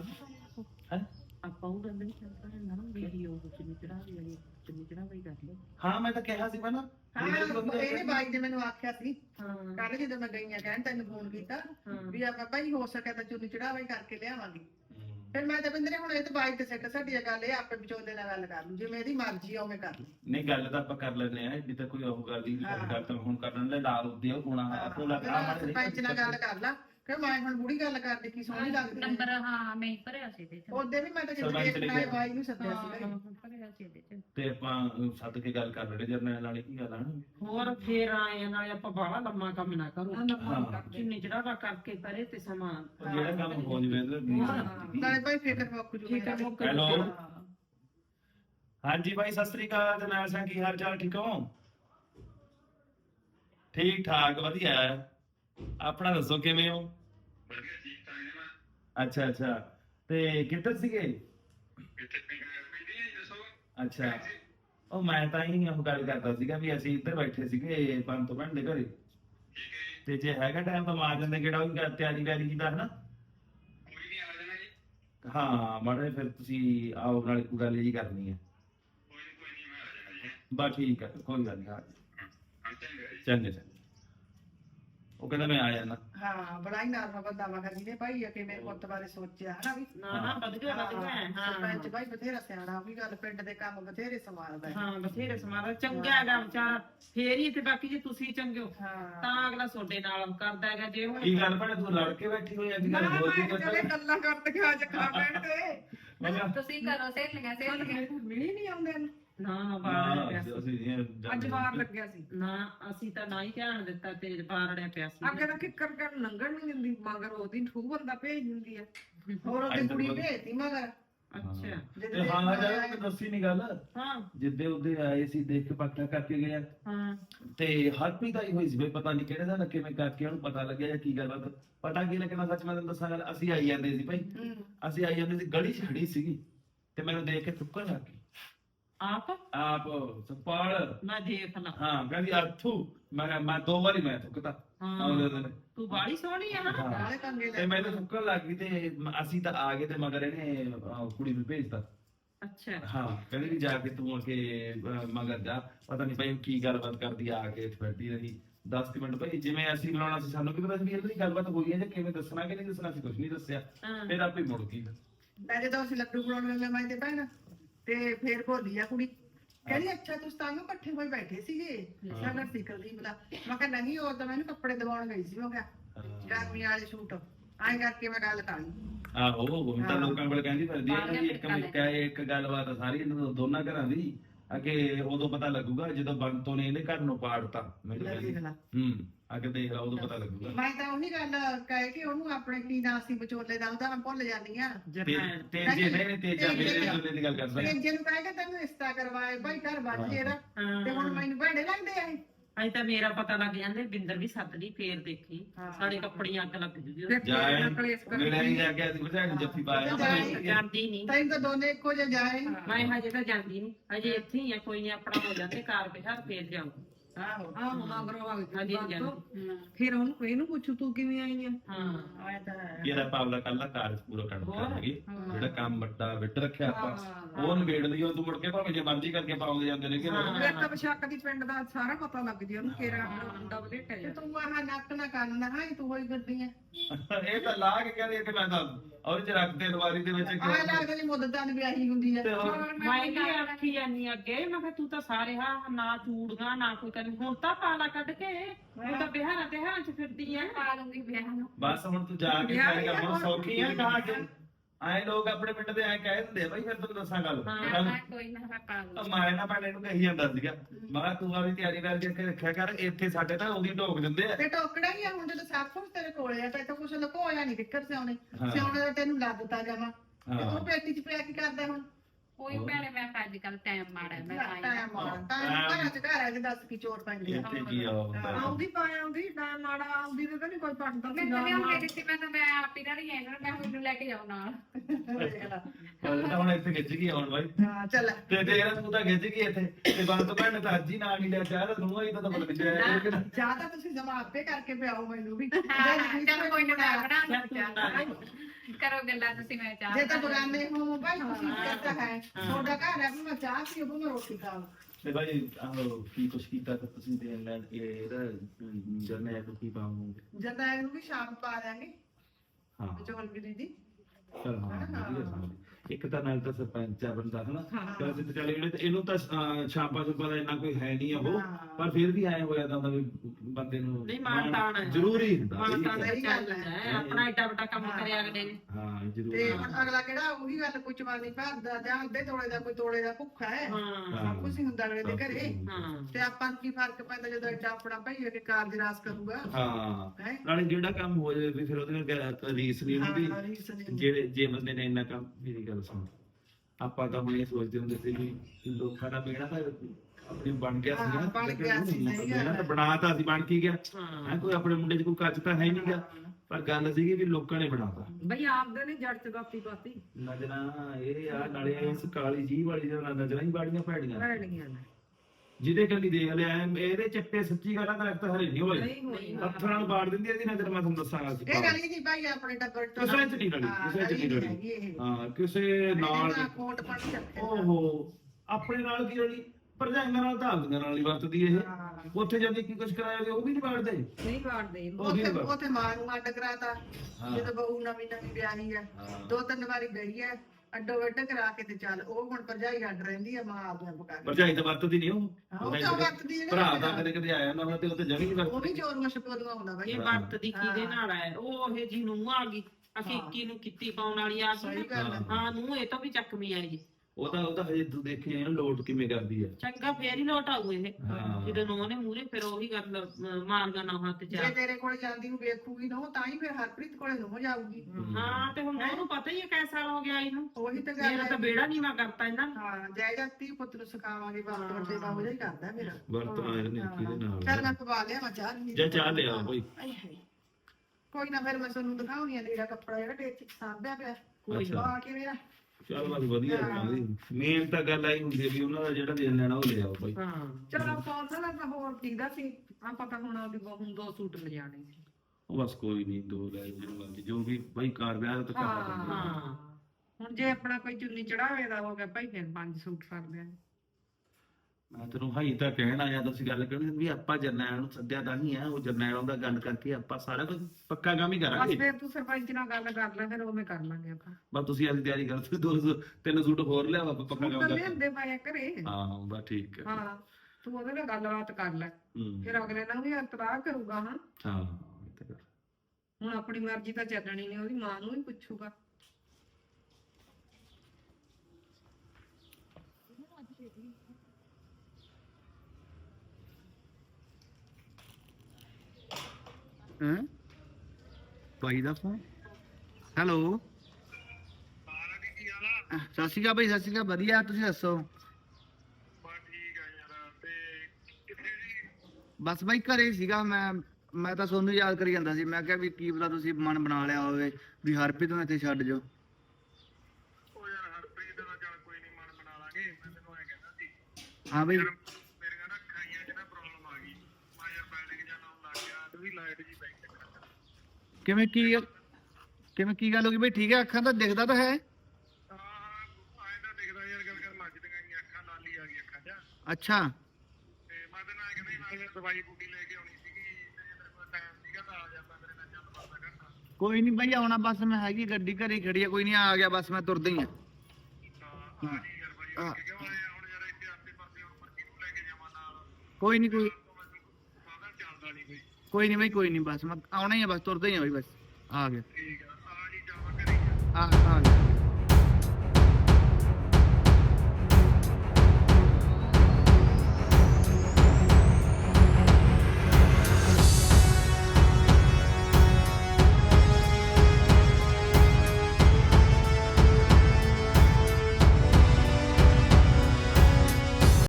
ਹੈ
ਆਪਾਂ ਉਹ ਗੱਲ ਨਹੀਂ ਕਰਦਾ ਨਾ ਵੀਡੀਓ ਚੁੰਨੀ ਚੜਾਈ ਵਾਲੀ ਚੁੰਨੀ ਚੜਾਈ ਕਰ ਲਓ
ਹਾਂ ਮੈਂ ਤਾਂ ਕਿਹਾ ਸੀ ਪਹਿਲਾਂ
ਹਾਂ ਇਹਨੇ ਬਾਈ ਨੇ ਮੈਨੂੰ ਆਖਿਆ ਸੀ
ਹਾਂ
ਕੱਲ ਜਦੋਂ ਮੈਂ ਗਈ ਆ ਕਹਿਣ ਤੈਨੂੰ ਫੋਨ ਕੀਤਾ
ਹਾਂ
ਵੀ ਆਪਾਂ ਭਾਈ ਹੋ ਸਕਿਆ ਤਾਂ ਚੁੰਨੀ ਚੜਾਵਾ ਹੀ ਕਰਕੇ ਲਿਆਵਾਂਗੇ ਫਿਰ ਮੈਂ ਤਾਂ ਬਿੰਦਰੇ ਹੁਣ ਇਹ ਤਾਂ ਬਾਈ ਤੇ ਸਿੱਟ ਸਾਡੀ ਇਹ ਗੱਲ ਇਹ ਆਪੇ ਵਿਚੋਲੇ ਨਾਲ ਗੱਲ ਕਰ ਲੂ ਜਿਵੇਂ ਇਹਦੀ ਮਰਜ਼ੀ ਆ ਉਵੇਂ ਕਰ ਲੂ
ਨਹੀਂ ਗੱਲ ਤਾਂ ਆਪਾਂ ਕਰ ਲੈਨੇ ਆ ਵੀ ਤਾਂ ਕੋਈ ਉਹ ਗੱਲ ਦੀ ਗੱਲ ਤਾਂ ਹੁਣ ਕਰਨ ਲੈ ਲਾ ਉੱਤੇ ਉਹ ਹੋਣਾ ਆਪੋ ਲਾ ਆ ਮਾੜੇ
ਸਰਪੰਚ ਨਾਲ ਗੱਲ ਕਰ ਲਾ ਕਿ ਮੈਂ ਹੁਣ ਬੁੜੀ ਗੱਲ ਕਰਦੀ ਕੀ ਸੋਹਣੀ ਲੱਗਦੀ ਹੈ।
ਨੰਬਰ ਹਾਂ ਮੈਂ ਹੀ ਭਰਿਆ ਸੀ ਇਹਦੇ ਚ
ਉਹਦੇ ਵੀ ਮੈਂ ਤਾਂ ਜਦੋਂ
ਸਰਪੰਚ ਨੇ
ਦੇਖਣਾ
ਕਿਹਾ।
ਬਾਈ ਨੂੰ ਸੱਦਿਆ
ਹਾਂ
ਸੀਗਾ
ਹਾਂ, ਭਰਿਆ ਸੀ ਇਹਦੇ ਚ
ਤੇ ਆਪਾਂ ਸੱਦ ਕੇ ਗੱਲ ਕਰ ਲੈਣੇ ਜਰਨੈਲ ਨਾਲ ਕੀ ਗੱਲ ਆ ਨਾ
ਹੋਰ ਫੇਰ ਆਏ ਆ, ਨਾਲੇ ਆਪਾਂ ਬਾਹਲਾ ਲੰਮਾ ਕੰਮ ਨਾ ਕਰੋ
ਹਾਂ।
ਚੁੰਨੀ ਚੜਾਵਾ ਕਰਕੇ ਕਰੇ ਤੇ ਸਮਾਂ
ਉਹ ਜਿਹੜਾ ਕੰਮ ਹੋ ਜਵੇ ਤੇ
ਨਾਲੇ ਭਾਈ ਫਿਕਰ ਮੁੱਕ ਜੂ
ਠੀਕ ਹੈ ਮੁੱਕ
ਹੈਲੋ ਹਾਂਜੀ ਭਾਈ ਸਤਿ ਸ੍ਰੀ ਅਕਾਲ ਜਰਨੈਲ ਸਿੰਘ ਕੀ ਹਾਲ ਚਾਲ ਠੀਕ ਹੋ ਠੀਕ ਠਾਕ ਵਧੀਆ ਆਪਣਾ ਦੱਸੋ ਕਿਵੇਂ ਹੋ ਅੱਛਾ ਅੱਛਾ ਤੇ ਕਿੱਧਰ ਸੀਗੇ ਅੱਛਾ ਉਹ ਮੈਂ ਤਾਂ ਹੀ ਉਹ ਗੱਲ ਕਰਦਾ ਸੀਗਾ ਵੀ ਅਸੀਂ ਇੱਧਰ ਬੈਠੇ ਸੀਗੇ ਪੰਜ ਤੋਂ ਭੈਣ ਦੇ ਘਰੇ ਤੇ ਜੇ ਹੈਗਾ ਟਾਈਮ ਤਾਂ ਮਾਰ ਜਾਂਦੇ ਕਿਹੜਾ ਉਹ ਵੀ ਤਿਆਰੀ ਵੈਰੀ ਜੀ ਦਾ ਹਨਾ ਹਾਂ ਮਾੜੇ ਫਿਰ ਤੁਸੀਂ ਆਓ ਨਾਲ ਇੱਕ ਗੱਲ ਜੀ ਕਰਨੀ ਹੈ ਬਸ ਠੀਕ ਹੈ ਕੋਈ ਗੱਲ ਨਹੀਂ ਆ ਚੰਗੇ ਚੰਗੇ ਉਹ ਕਹਿੰਦਾ ਮੈਂ ਆ ਜਾਣਾ
ਹਾਂ ਬੜਾ ਹੀ ਨਾਰਮਾ ਬੰਦਾ ਵਾ ਕਰੀ ਨੇ ਭਾਈ ਆ ਕਿ ਮੇਰੇ ਪੁੱਤ ਬਾਰੇ ਸੋਚਿਆ ਹਨਾ ਵੀ
ਨਾ ਨਾ ਵਧੀਆ ਵਧੀਆ ਹਾਂ
ਸਰਪੰਚ ਭਾਈ ਬਥੇਰਾ ਸਿਆਣਾ ਵੀ ਗੱਲ ਪਿੰਡ ਦੇ ਕੰਮ ਬਥੇਰੇ ਸੰਭਾਲਦਾ ਹੈ।
ਹਾਂ ਬਥੇਰੇ ਸਮਾਰਾ ਚੰਗਾ ਹੈਗਾ ਵਿਚਾਰਾ ਫੇਰ ਹੀ ਤੇ ਬਾਕੀ ਜੇ ਤੁਸੀਂ ਚੰਗੇ ਹੋ
ਹਾਂ
ਤਾਂ ਅਗਲਾ ਤੁਹਾਡੇ ਨਾਲ ਕਰਦਾ ਹੈਗਾ ਜੇ ਹੁਣ
ਕੀ ਗੱਲ ਭੈਣੇ ਤੂੰ ਲੜ ਕੇ ਬੈਠੀ ਹੋਈ ਅੱਜ ਗੱਲ ਬੋਲਦੀ
ਮੈਂ
ਕਿਉਂ
ਚਲੇ ਗੱਲਾਂ ਕਰਦ ਗਿਆ ਅੱਜ ਖਾ ਪੈਣ ਤੇ
ਮੈਂ ਕਿਹਾ
ਤੁਸੀਂ ਕਰੋ ਸਹੇਲੀਆਂ ਸਹੇਲੀਆਂ
ਮਿਲੀ ਨਹੀਂ ਆਉਂਦੇ ਨੂੰ।
ਨਾ
ਨਾ,
ਬਾਹਰ ਪਿਆ ਸੀ।
ਅਸੀਂ ਨਹੀਂ
ਅੱਜ ਵਾਰ ਲੱਗਿਆ ਸੀ
ਨਾ ਅਸੀਂ ਤਾਂ ਨਾ ਹੀ ਧਿਆਨ ਦਿੱਤਾ ਤੇ ਬਾਹਰੜਿਆ ਪਿਆ ਸੀ
ਅੱਗੇ ਤਾਂ ਕਿੱਕਰ ਕਰ ਲੰਘਣ ਨਹੀਂ ਦਿੰਦੀ ਮਗਰ ਉਹਦੀ ਠੂ ਬੰਦਾ ਭੇਜ ਦਿੰਦੀ ਆ ਹੋਰ ਉਹਦੀ ਕੁੜੀ ਭੇਜਦੀ ਮਗਰ
ਅੱਛਾ
ਤੇ ਹਾਂ ਜਦ ਤੱਕ ਦੱਸੀ ਨਹੀਂ ਗੱਲ
ਹਾਂ
ਜਿੱਦੇ ਉਹਦੇ ਆਏ ਸੀ ਦੇਖ ਕੇ ਪੱਕਾ ਕਰਕੇ ਗਿਆ
ਹਾਂ
ਤੇ ਹਰਪ੍ਰੀਤ ਆਈ ਹੋਈ ਸੀ ਵੀ ਪਤਾ ਨਹੀਂ ਕਿਹੜੇ ਦਾ ਕਿਵੇਂ ਕਰਕੇ ਉਹਨੂੰ ਪਤਾ ਲੱਗਿਆ ਜਾਂ ਕੀ ਗੱਲ ਬਾਤ ਪਤਾ ਕੀ ਲੱਗਣਾ ਸੱਚ ਮੈਂ ਤੈਨੂੰ ਦੱਸਾਂ ਗੱਲ ਅਸੀਂ ਆਈ ਜਾਂਦੇ ਸੀ ਭਾਈ ਅਸੀਂ ਆਈ ਜਾਂਦੇ ਸੀ ਗਲੀ ਚ ਖੜੀ ਸੀਗੀ ਤੇ ਮੈਨੂੰ ਦੇਖ ਕੇ ਥੁੱਕਣ ਲੱਗ ਗਈ
ਆਪ
ਆਪ ਸਪਾਲ
ਮੈਂ ਦੇਖ ਲਾ
ਹਾਂ ਕਹਿੰਦੀ ਅਰਥੂ ਮੈਂ ਕਿਹਾ ਮੈਂ ਦੋ ਵਾਰੀ ਮੈਂ ਥੁੱਕਤਾ
ਹਾਂ
ਆਉਂਦੇ ਦਿਨ
ਤੂੰ ਬਾੜੀ ਸੋਹਣੀ ਆ ਨਾ
ਹਾਂ
ਨਾਲੇ ਕੰਗੇ
ਤੇ ਮੈਨੂੰ ਥੁੱਕਣ ਲੱਗ ਗਈ ਤੇ ਮ- ਅਸੀਂ ਤਾਂ ਆ ਗਏ ਤੇ ਮਗਰ ਇਹਨੇ ਅਹ, ਕੁੜੀ ਨੂੰ ਭੇਜਤਾ
ਅੱਛਾ
ਹਾਂ ਕਹਿੰਦੀ ਵੀ ਜਾ ਕੇ ਤੂੰ ਆ ਕੇ ਅਹ, ਮਗਰ ਜਾ ਪਤਾ ਨਹੀਂ ਭਾਈ ਕੀ ਗੱਲਬਾਤ ਕਰਦੀ ਆ ਕੇ ਇੱਥੇ ਬੈਠੀ ਰਹੀ ਦਸ ਕੁ ਮਿੰਟ ਭਾਈ ਜਿਵੇਂ ਅਸੀਂ ਬੁਲਾਉਣਾ ਸੀ ਸਾਨੂੰ ਕੀ ਪਤਾ ਸੀ ਵੀ ਇਹਦੀ ਗੱਲਬਾਤ ਹੋਈ ਹੈ ਜਾਂ ਕਿਵੇਂ ਦੱਸਣਾ ਕਿ ਨਹੀਂ ਦੱਸਣਾ ਸੀ ਕੁਝ ਨਹੀਂ ਦੱਸਿਆ
ਹਾਂ
ਫਿਰ ਆਪੇ ਮੁੜ ਗਈ
ਮੈਂ ਜਦੋਂ ਅਸੀਂ ਲੱਡੂ ਬਣਾਉਣ ਲੱਗੇ ਮੈਂ ਤੇ ਭੈਣ ਤੇ ਫੇਰ ਭੋਲੀ ਆ ਕੁੜੀ ਕਹਿੰਦੀ ਅੱਛਾ ਤੁਸੀਂ ਤਾਂ ਇਕੱਠੇ ਹੋਏ ਬੈਠੇ ਸੀਗੇ ਸਾਡਾ ਫਿਕਰ ਦੀ ਬਲਾ ਮੈਂ ਕਿਹਾ ਨਹੀਂ ਉਹ ਤਾਂ ਮੈਨੂੰ ਕੱਪੜੇ ਦਿਵਾਉਣ ਗਈ ਸੀ ਉਹ ਕਿਹਾ ਗਰਮੀ ਵਾਲੇ ਸੂਟ ਐਂ ਕਰਕੇ ਮੈਂ ਗੱਲ ਕਰ ਲਈ
ਆਹੋ ਹੁਣ ਤਾਂ ਲੋਕਾਂ ਕੋਲ ਕਹਿੰਦੀ ਫਿਰਦੀ ਹੈ ਕਿ ਇੱਕ ਇੱਕ ਇੱਕ ਗੱਲਬਾਤ ਆ ਸਾਰੀ ਇਹਨਾਂ ਦੋ- ਦੋਨਾਂ ਘਰਾਂ ਦੀ ਅੱਗੇ ਉਦੋਂ ਪਤਾ ਲੱਗੂਗਾ ਜਦੋਂ ਬੰਤੋਂ ਨੇ ਇਹਦੇ ਘਰ ਨੂੰ ਪਾੜਤਾ ਮੈਨੂੰ
ਲੈ
ਕਹਿੰਦੀ
ਦੇਖ ਲਾ
ਹੂੰ ਅੱਗੇ ਦੇਖ ਲਾ ਉਦੋਂ ਪਤਾ ਲੱਗੂਗਾ।
ਮੈਂ ਤਾਂ ਉਹੀ ਗੱਲ ਕਹਿ ਕੇ ਉਹਨੂੰ ਆਪਣੇ ਕੀ ਨਾਂ ਸੀ ਵਿਚੋਲੇ ਦਾ ਉਹਦਾ ਮੈਂ ਭੁੱਲ ਜਾਂਦੀ ਆ।
ਤੇ ਤੇ ਜੇ ਨਹੀਂ ਨਹੀਂ ਤੇ ਜਾ ਮੇਰੇ ਜੁਲੇ ਦੀ ਗੱਲ ਕਰਦਾ
ਤੇ ਜਿਹਨੂੰ ਕਹਿ ਕੇ ਤੈਨੂੰ ਰਿਸ਼ਤਾ ਕਰਵਾਏ ਭਾਈ ਘਰ ਵੱਜ ਜੇ ਇਹਦਾ ਤੇ ਹੁਣ ਮੈਨੂੰ ਭੈੜੇ ਲੱਗਦੇ ਆ ਇਹ।
ਅਜੇ ਤਾਂ ਮੇਰਾ ਪਤਾ ਲੱਗ ਜਾਂਦੇ ਬਿੰਦਰ ਵੀ ਸੱਦ ਲਈ ਫੇਰ ਦੇਖੀ ਸਾਡੇ ਕੱਪੜੀਆਂ ਅੱਗ ਲੱਗ ਜੂਗੀ
ਜਾਏ ਮੇਰੇ ਹੀ ਜਾ ਕੇ ਬੁਝਾ ਜੱਫੀ ਪਾਇਆ
ਜਾਂਦੀ ਨਹੀਂ
ਤੈਨੂੰ ਤਾਂ ਦੋਨੇ ਇੱਕੋ ਜਿਹੇ ਜਾਏ।
ਮੈਂ ਹਜੇ ਤਾਂ ਜਾਂਦੀ ਨਹੀਂ ਹਜੇ ਇੱਥੇ ਹੀ ਆ ਕੋਈ ਨਹੀਂ ਆਪਣਾ ਹੋ ਜਾਂਦੇ ਕਾਰ ਬਿਹਾਰ ਫੇਰ ਜਾਊ
ਆਹੋ
ਆਹੋ ਮਗਰੋਂ ਆ ਗਈ
ਹਜੇ ਨਹੀਂ ਜਾਂਦੀ
ਫਿਰ ਉਹਨੂੰ ਇਹਨੂੰ ਪੁੱਛੂ ਤੂੰ ਕਿਵੇਂ ਆਈ ਆ
ਹਾਂ
ਆਇਆ ਤਾਂ ਹੈ।
ਇਹਦਾ ਪਾਵਲਾ ਕੱਲਾ ਕਾਰਜ ਪੂਰਾ ਕਰਨ ਲੱਗੀ ਜਿਹੜਾ ਕੰਮ ਵੱਡਾ ਵਿੱਟ ਰੱਖਿਆ ਆਪਾਂ ਉਹ ਨਿਬੇੜ ਲਈ ਉਹ ਤੂੰ ਮੁੜ ਕੇ ਭਾਵੇਂ ਜੇ ਮਰਜ਼ੀ ਕਰਕੇ ਪਾਉਂਦੇ ਜਾਂਦੇ ਨੇ ਕਿ
ਫਿਰ ਤਾਂ ਬਸ਼ੱਕ ਦੀ ਪਿੰਡ ਦਾ ਸਾਰਾ ਪਤਾ ਲੱਗ ਜੀ ਉਹਨੂੰ ਕਿਹੜਾ ਮੁੰਡਾ ਵਧੇਟਿਆ
ਤੇ
ਜਾ
ਤੂੰ ਆਹ ਨੱਕ ਨਾ ਕੰਨ ਨਾ ਹਾਂ ਤੂੰ ਹੋਈ ਫਿਰਦੀ ਆ।
ਇਹ ਤਾਂ ਲਾ ਕੇ ਕਹਿੰਦੇ ਕਿ ਮੈਂ ਤਾਂ ਔਰ ਚ ਰੱਖਦੇ ਅਲਮਾਰੀ ਦੇ ਵਿੱਚ
ਆਹ ਲੱਗਦਾ ਜੀ ਮੁੱਦਤਾਂ ਦੀ ਵਿਆਹੀ ਹੁੰਦੀ ਆ।
ਤੇ ਹੋਰ
ਮੈਂ ਵੀ ਆਖੀ ਜਾਨੀ ਅੱਗੇ ਮੈਂ ਕਿਹਾ ਤੂੰ ਤਾਂ ਸਾਰੇ ਹਾਂ ਨਾ ਚੂੜੀਆਂ ਨਾ ਕੋਈ ਕਰਨੀ ਹੁਣ ਤਾਂ ਪਾਲਾ ਕੱਢ ਕੇ ਤੂੰ ਤਾਂ ਬਿਹਾਰਾਂ ਤੇ ਹਾਂ ਚ ਫਿਰਦੀ ਆ
ਪਾ ਲੂੰਗੀ ਵਿਆਹ ਨੂੰ।
ਬਸ ਹੁਣ ਤੂੰ ਜਾ ਕੇ ਕਰੇਗਾ ਹੁਣ ਸੌਖੀ ਆ ਕਹਾ ਕੇ ਆਏ ਲੋਕ ਆਪਣੇ ਪਿੰਡ ਦੇ ਐ ਕਹਿ ਦਿੰਦੇ ਆ ਬਾਈ ਫਿਰ ਤੈਨੂੰ ਦੱਸਾਂ ਗੱਲ
ਨਾ ਨਾ ਕੋਈ ਨਾ ਮੈਂ ਪਾ ਲੂੰਗੀ।
ਮੈਂ ਨਾ ਭੈਣੇ ਨੂੰ ਕਹੀ ਜਾਂਦਾ ਸੀਗਾ ਮੈਂ ਕਿਹਾ ਤੂੰ ਆ ਵੀ ਤਿਆਰੀ ਕਰਕੇ ਰੱਖਿਆ ਕਰ ਇੱਥੇ ਸਾਡੇ ਤਾਂ ਉਹਦੀ ਢੋਕ ਦਿੰਦੇ ਆ
ਤੇ ਟੋਕੜਾ ਹੀ ਆ ਹੁਣ ਜਦੋਂ ਸਭ ਕੁਝ ਤੇਰੇ ਕੋਲੇ ਆ ਤਾਂ ਇੱਥੇ ਕੁਝ ਲੁਕੋਇਆ ਨਹੀਂ ਕਿੱਕਰ ਸਿਆਉਣੇ
ਹਾਂ।
ਸਿਆਉਣੇ ਦਾ ਤੈਨੂੰ ਲੱਦਤਾ ਜਾਵਾਂ ਤੇ
ਹਾਂ।
ਤੂੰ ਪੇਟੀ ਚ ਪਿਆ ਕੀ ਕਰਦਾ ਹੁਣ।
ਕੋਈ ਭੈਣੇ ਮੈਂ ਅੱਜ ਕੱਲ ਟਾਈਮ ਮਾੜਾ ਹੈ, ਮੈਂ ਤਾਂ ਆਈ
ਟਾਈਮ ਮਾਰ ਟਾਈਮ ਘਰਾਂ ਚ ਘਰ ਆ ਕੇ ਦੱਸ ਕੀ ਚੋਰ ਪੈਂਦੀ ਆ।
ਇੱਥੇ ਕੀ ਆ ਹੁੰਦਾ
ਆਉਂਦੀ ਪਾਇਆ ਆਉਂਦੀ ਨਾ ਮਾੜਾ ਆਉਂਦੀ ਤੇ ਤਾਂ ਨਹੀਂ ਕੋਈ ਪੜਦਾ
ਮੈਂ ਤਾਂ ਲਿਆਉਂਦੀ ਦਿੱਤੀ ਮੈਂ ਤਾਂ ਮੈਂ ਆਪ ਹੀ ਨਹੀਂ ਆਇਆ ਮੈਂ ਮੈਨੂੰ ਲੈ ਕੇ ਜਾਉ ਨਾਲ।
ਤਾਂ ਹੁਣ ਇੱਥੇ ਖਿੱਚ ਗਈ ਹੁਣ ਬਾਈ
ਹਾਂ ਚੱਲ
ਤੇ ਤੇਰਾ ਤੂੰ ਤਾਂ ਖਿੱਚ ਗਈ ਇੱਥੇ ਤੇ ਬੰਦ ਭੈਣ ਤਾਂ ਅੱਜ ਹੀ ਨਾ ਨਹੀਂ ਲਿਆ ਚਾਹ ਤਾਂ ਤੂੰ ਆਈ ਤਾਂ ਤਾਂ ਬਲ ਗਿਆ
ਜਾਂ ਤਾਂ ਤੁਸੀਂ ਜਮਾ ਆਪੇ ਕਰਕੇ ਪਿਆਓ ਮੈਨੂੰ ਵੀ
ਹਾਂ ਚੱਲ ਕੋਈ ਨਾ ਬਣਾ
ਚੱਲ ਤੂੰ ਬਣਾ ਲੈ।
ਕਰੋ ਗੱਲਾਂ ਤੁਸੀਂ ਮੈਂ ਚਾਹ
ਜੇ ਤਾਂ ਬਗਾਨੇ ਹੋ ਭਾਈ ਤੁਸੀਂ ਕਰਤਾ ਹੈ ਤੁਹਾਡਾ ਘਰ ਹੈ ਵੀ ਮੈਂ ਚਾਹ ਪੀਓ ਵੀ ਮੈਂ ਰੋਟੀ ਖਾਵਾਂ।
ਤੇ ਬਾਈ ਆਹੋ ਕੀ ਕੁਛ ਕੀਤਾ ਤਾਂ ਤੁਸੀਂ ਦੇਣ ਲੈਣ ਇਹ ਇਹਦਾ ਜਰਨੇ ਆ ਕੀ ਪਾਉਂਗੇ
ਜਦੋਂ ਇਹਨੂੰ ਵੀ ਸ਼ਾਮ ਪਾ ਦਿਆਂਗੇ
ਹਾਂ
ਵਿਚੋਲਗਿਰੀ ਦੀ।
ਚਲ ਹਾਂ ਵਧੀਆ ਸਮਝ ਇੱਕ ਤਾਂ ਨਾਲ ਤਾਂ ਸਰਪੰਚ ਆ ਬੰਦਾ ਹਨਾ ਵੈਸੇ ਤਾਂ ਚੱਲ ਇਹਨੇ ਤੇ ਇਹਨੂੰ ਤਾਂ ਛਾਪਾ ਛੁਪਾ ਦਾ ਇੰਨਾ ਕੋਈ ਹੈ ਨਹੀਂ ਆ ਉਹ ਪਰ ਫਿਰ ਵੀ ਆਏ ਹੋਇਆ ਤਾਂ ਵੀ ਬੰਦੇ ਨੂੰ
ਨਹੀਂ ਮਾਣ ਤਾਣ ਹੈ।
ਜ਼ਰੂਰੀ ਹੁੰਦਾ
ਮਾਣ
ਇਹ
ਤਾਣ
ਤਾਂ।
ਦਾ ਚੱਲ ਹੈ ਆਪਣਾ ਏਡਾ ਵੱਡਾ ਕੰਮ ਕਰਿਆ ਅਗਲੇ ਨੇ
ਹਾਂ
ਤੇ
ਜ਼ਰੂਰੀ
ਹੁਣ ਅਗਲਾ ਕਿਹੜਾ ਉਹੀ ਗੱਲ ਕੋਈ ਚਵਾਨੀ ਭਰਦਾ ਜਾਂ ਅੱਧੇ ਤੋਲੇ ਦਾ ਕੋਈ ਤੋਲੇ ਦਾ ਭੁੱਖਾ ਹੈ
ਹਾਂ
ਸਭ ਕੁਝ ਹੀ ਹੁੰਦਾ ਅਗਲੇ ਦੇ ਘਰੇ।
ਹਾਂ
ਤੇ ਆਪਾਂ ਨੂੰ ਕੀ ਫਰਕ ਪੈਂਦਾ ਜਦੋਂ ਐਡਾ ਆਪਣਾ ਭਾਈ ਹੈ ਕਿ ਕਾਰਜ ਰਾਸ ਕਰੂਗਾ
ਹਾਂ
ਹੈ।
ਨਾਲੇ ਜਿਹੜਾ ਕੰਮ ਹੋ ਜਾਵੇ ਵੀ ਫਿਰ ਉਹਦੇ ਨਾਲ ਰੀਸ ਨਹੀਂ ਹੁੰਦੀ
ਹਾਂ, ਰੀਸ ਨਹੀਂ ਹੁੰਦੀ।
ਜਿਹੜੇ ਜੇ ਬੰਦੇ ਨੇ ਇੰਨਾ ਕੰਮ ਮੇਰੀ ਗੱਲ ਸੁਣ ਆਪਾਂ ਤਾਂ ਹੁਣ ਇਹ ਸੋਚਦੇ ਹੁੰਦੇ ਸੀ ਵੀ ਲੋਕਾਂ ਦਾ ਮੇਣਾ ਤਾਂ ਆਪਣੀ ਬਣ ਗਿਆ ਸੀ
ਹਾਂ,
ਨਾ
ਬਣ ਗਿਆ ਸੀ, ਸਹੀ ਗੱਲ
ਮੇਣਾ
ਹੈ।
ਤਾਂ ਬਣਾਤਾ ਸੀ ਬਣ ਕੀ ਗਿਆ
ਹਾਂ
ਹੈ ਕੋਈ ਆਪਣੇ ਮੁੰਡੇ 'ਚ ਕੋਈ ਕੱਚ ਤਾਂ ਹੈ ਨਹੀਂ ਗਾ ਪਰ ਗੱਲ ਸੀਗੀ ਵੀ ਲੋਕਾਂ ਨੇ ਬਣਾਤਾ
ਬਈ ਆਪਦੇ ਨੇ ਜੜ ਚ ਗਾਤੀ ਪਾਤੀ
ਨਜ਼ਰਾਂ ਇਹ ਆ ਨਾਲੇ ਇਸ ਕਾਲੀ ਜੀ ਵਾਲੀ ਜਿਹੜਾ ਨਜ਼ਰਾਂ ਹੀ ਬਾੜੀਆਂ ਭੈੜੀਆਂ
ਭੈਣੀਆਂ ਨੇ
ਜਿਹਦੇ ਕੰਨੀ ਦੇਖ ਲਿਆ ਇਹਦੇ ਚਿੱਟੇ ਸੱਚੀ ਗੱਲ ਆ ਦਰਖਤ ਹਰੇ ਨਹੀਂ ਹੋਏ
ਨਹੀਂ ਹੋਈ
ਪੱਥਰਾਂ ਨਾਲ ਬਾੜ ਦਿੰਦੀ ਇਹਦੀ ਨਜ਼ਰ ਮੈਂ ਤੁਹਾਨੂੰ ਦੱਸਾਂਗਾ ਸੀ
ਇਹ ਗੱਲ ਹੀ ਨਹੀਂ ਭਾਈ ਆਪਣੇ ਟੱਬਰ ਤੋਂ
ਕਿਸੇ ਚ ਨਹੀਂ ਲੜੀ ਕਿਸੇ ਚ ਨਹੀਂ ਲੜੀ ਹਾਂ ਕਿਸੇ ਨਾਲ
ਕੋਟ ਪਣ ਚੱਕੇ
ਓਹੋ ਆਪਣੇ ਨਾਲ ਕੀ ਲੜੀ ਭਰਜਾਈਆਂ ਨਾਲ ਤਾਂ ਆਪਦੀਆਂ ਨਾਲ ਹੀ ਵਰਤਦੀ ਇਹ ਉੱਥੇ ਜਾਂਦੀ ਕੀ ਕੁਛ ਕਰਾਇਆ ਗਿਆ ਉਹ ਵੀ ਨਹੀਂ ਬਾੜਦੇ
ਨਹੀਂ ਕਾੜਦੇ
ਉਹ ਵੀ
ਉੱਥੇ
ਨਹੀਂ
ਉੱਥੇ ਮਾਂ ਨੂੰ ਅੱਡ ਕਰਾਤਾ
ਹਾਂ।
ਜਦੋਂ ਬਹੂ ਨਵੀਂ ਨਵੀਂ ਵਿਆਹੀ ਆ
ਹਾਂ।
ਦੋ ਤਿੰਨ ਵਾਰੀ ਗਈ ਹੈ ਅੱਡੋ ਵੱਡ ਕਰਾ ਕੇ ਤੇ ਚੱਲ ਉਹ ਹੁਣ ਭਰਜਾਈ ਅੱਡ ਰਹਿੰਦੀ ਆ ਮਾਂ ਆਪਦੀਆਂ ਪਕਾ ਕੇ।
ਭਰਜਾਈ ਤਾਂ ਵਰਤਦੀ ਨਹੀਂ ਉਹ
ਹਾਂ, ਉਹ
ਉਹਦਾ
ਤਾਂ
ਜਿਹੜਾ
ਵਰਤਦੀ ਹੈ ਨਾ।
ਭਰਾ ਤਾਂ ਕਦੇ ਕਦੇ ਆਇਆ ਨਾ ਤੇ ਉਹ ਤੇ ਜਮੀ ਨਹੀਂ
ਉਹ ਵੀ
ਵਰਤਦੀ
ਚੋਰੀਆਂ ਛਪੋਰੀਆਂ ਆਉਂਦਾ ਬਾਈ
ਇਹ ਵਰਤਦੀ ਕਿਹਦੇ ਨਾਲ ਹੈ ਉਹ ਇਹ ਜੀ ਨੂੰ ਆ ਗਈ ਅਸੀਂ ਇੱਕੀ ਨੂੰ ਕਿੱਤੀ ਪਾਉਣ ਵਾਲੀ ਆ
ਸਹੀ
ਗਈ
ਗੱਲ ਹੈ
ਹਾਂ ਨੂੰ ਇਹ ਤਾਂ ਵੀ ਚੱਕਵੀਂ ਆਈ ਜੀ
ਉਹ ਤਾਂ ਉਹ ਤਾਂ ਹਜੇ ਤੂੰ ਦੇਖੀ ਇਹਨੂੰ ਲੋਟ ਕਿਵੇਂ ਕਰਦੀ ਆ
ਚੰਗਾ ਫੇਰ ਹੀ ਲੋਟ ਆਊ ਇਹ
ਹਾਂ।
ਜਦੋਂ ਨੂੰ ਨੇ ਮੂਰੇ ਫਿਰ ਉਹੀ ਗੱਲ ਮਾਰਗਾ ਨਾ ਹੱਥ
ਜੇ
ਜਾ
ਤੇਰੇ ਕੋਲ ਜਾਂਦੀ ਨੂੰ ਵੇਖੂਗੀ ਨਾ ਤਾਂ ਹੀ ਫਿਰ ਹਰਪ੍ਰੀਤ ਕੋਲੇ ਨੂੰ ਜਾਊਗੀ
ਹਾਂ ਤੇ ਹੁਣ ਉਹਨੂੰ ਪਤਾ ਹੀ ਹੈ ਕਿੰਨਾ ਸਾਲ ਹੋ ਗਿਆ ਇਹਨੂੰ
ਉਹੀ ਤਾਂ ਗੱਲ
ਮੇਰਾ
ਹੈ
ਤਾਂ ਬੇੜਾ ਨਹੀਂ ਮੈਂ ਕਰਤਾ ਇਹਨਾਂ ਨੇ।
ਹਾਂ ਜਾਇਦਾਦ ਤੀ ਪੁੱਤ ਨੂੰ ਸਿਖਾਵਾਂਗੇ ਵਕਤ ਵੱਡੇ ਦਾ ਹੋ ਜਾਈ ਕਰਦਾ ਮੇਰਾ
ਵਰਤਣਾ ਇਹਨੇ ਕਿਹਦੇ
ਚੱਲ
ਨਾਲ
ਮੈਂ ਪਵਾ ਲਿਆ ਮੈਂ ਚਾਹ ਨਹੀਂ
ਜਾਂ ਚਾਹ ਲਿਆ ਕੋਈ
ਆਏ ਹਾਏ। ਕੋਈ ਨਾ ਫਿਰ ਮੈਂ ਤੁਹਾਨੂੰ ਦਿਖਾਉਣੀ ਆ ਲੀੜਾ ਕੱਪੜਾ ਜਿਹੜਾ ਡੇਟ ਚ ਸਾਂਭਿਆ ਪਿਆ ਕੋਈ
ਅੱਛਾ।
ਆ ਕੇ ਮੇਰਾ
ਚੱਲ ਬਸ ਵਧੀਆ ਮੇਨ ਤਾਂ ਗੱਲ ਆਈ ਹੁੰਦੀ ਹੈ ਵੀ ਉਹਨਾਂ ਦਾ ਜਿਹੜਾ ਦੇਣ ਲੈਣਾ ਉਹ ਲਿਆਓ ਬਾਈ
ਹਾਂ
ਚਲੋ ਪੌਂਸਲਾ ਤਾਂ ਹੋਰ ਕੀਦਾ ਸੀ ਆ ਪਤਾ ਹੁਣ ਉਹਦੀ ਬਹੂ ਨੂੰ ਦੋ ਸੂਟ ਲਿਜਾਣੇ ਸੀ
ਉਹ ਬਸ ਕੋਈ ਨਹੀਂ ਦੋ ਲੈ ਜਿਹਨੂੰ ਜੋ ਵੀ ਬਾਈ ਕਾਰ ਵਿਆਹ ਤਾਂ ਕਰਨਾ ਪੈਂਦਾ
ਹਾਂ
ਹੁਣ ਜੇ ਆਪਣਾ ਕੋਈ ਚੁੰਨੀ ਚੜਾਵੇ ਦਾ ਹੋ ਗਿਆ ਭਾਈ ਫਿਰ ਪੰਜ ਸੂਟ ਕਰ ਦਿਆਂਗੇ
ਮੈਂ ਤੈਨੂੰ ਹਾਈ ਤਾਂ ਕਹਿਣ ਆਇਆ ਤੁਸੀਂ ਗੱਲ ਕਰਨੀ ਵੀ ਆਪਾਂ ਜਰਨੈਲ ਨੂੰ ਸੱਦਿਆ ਤਾਂ ਨਹੀਂ ਆ ਉਹ ਜਰਨੈਲ ਦਾ ਗੱਲ ਕਰਕੇ ਆਪਾਂ ਸਾਰਾ ਕੁਝ ਪੱਕਾ ਕੰਮ ਹੀ
ਬਸ
ਕਰਾਂਗੇ
ਫਿਰ ਤੂੰ ਸਰਪੰਚ ਨਾਲ ਗੱਲ ਕਰ ਲੈ ਫਿਰ ਉਵੇਂ ਕਰ ਲਾਂਗੇ ਆਪਾਂ
ਬਸ ਤੁਸੀਂ ਅੱਜ ਤਿਆਰੀ ਕਰੋ ਫਿਰ ਦੋ ਸੌ- ਤਿੰਨ ਸੂਟ ਹੋਰ ਲਿਆਓ ਆਪਾਂ ਪੱਕਾ ਕੰਮ
ਤਾਂ
ਕਰਾਂਗੇ
ਲਿਆਂਦੇ ਪਾਇਆ ਘਰੇ
ਹਾਂ ਬਸ ਠੀਕ ਹੈ
ਹਾਂ ਤੂੰ ਉਹਦੇ ਨਾਲ ਗੱਲਬਾਤ ਕਰ ਲੈ
ਹੂੰ
ਫਿਰ ਅਗਲੇ ਨਾਲ ਵੀ ਇਤਰਾਜ਼ ਕਰੂਗਾ ਹਾਂ
ਹਾਂ ਇਹ ਤਾਂ ਗੱਲ।
ਹੁਣ ਆਪਣੀ ਮਰਜ਼ੀ ਤਾਂ ਚੱਲਣੀ ਨਹੀਂ ਉਹਦੀ ਮਾਂ ਨੂੰ ਵੀ ਪੁੱਛੂਗਾ
ਹੈਂ ਬਾਈ ਦਾ ਫੋਨ ਹੈਲੋ ਸਤਿ ਸ਼੍ਰੀ ਅਕਾਲ ਬਾਈ ਸਤਿ ਸ਼੍ਰੀ ਅਕਾਲ ਵਧੀਆ ਤੁਸੀਂ ਦੱਸੋ ਬਸ ਬਾਈ ਘਰੇ ਸੀਗਾ ਮੈਂ ਮੈਂ ਤਾਂ ਤੁਹਾਨੂੰ ਯਾਦ ਕਰੀ ਜਾਂਦਾ ਸੀ ਮੈਂ ਕਿਹਾ ਵੀ ਕੀ ਪਤਾ ਤੁਸੀਂ ਮਨ ਬਣਾ ਲਿਆ ਹੋਵੇ ਵੀ ਹਰਪ੍ਰੀਤ ਨੂੰ ਇੱਥੇ ਛੱਡ ਜਾਓ ਹਾਂ ਬਈ ਕਿਵੇਂ ਕੀ ਕਿਵੇਂ ਕੀ ਗੱਲ ਹੋ ਗਈ ਬਈ ਠੀਕ ਹੈ ਅੱਖਾਂ ਤਾਂ ਦਿਖਦਾ ਤਾਂ ਹੈ ਅੱਛਾ ਕੋਈ ਨਹੀਂ ਬਾਈ ਆਉਣਾ ਬਸ ਮੈਂ ਹੈਗੀ ਗੱਡੀ ਘਰੇ ਖੜੀ ਆ ਕੋਈ ਨਹੀਂ ਆ ਗਿਆ ਬਸ ਮੈਂ ਤੁਰਦਾ ਹੀ ਆ ਕੋਈ ਨਹੀਂ ਕੋਈ ਕੋਈ ਨਹੀਂ ਬਾਈ ਕੋਈ ਨਹੀਂ ਬਸ ਮੈਂ ਆਉਣਾ ਹੀ ਆ ਬਸ ਤੁਰਦਾ ਹੀ ਆ ਬਾਈ ਬਸ ਆ ਗਿਆ ਆ ਆ ਗਿਆ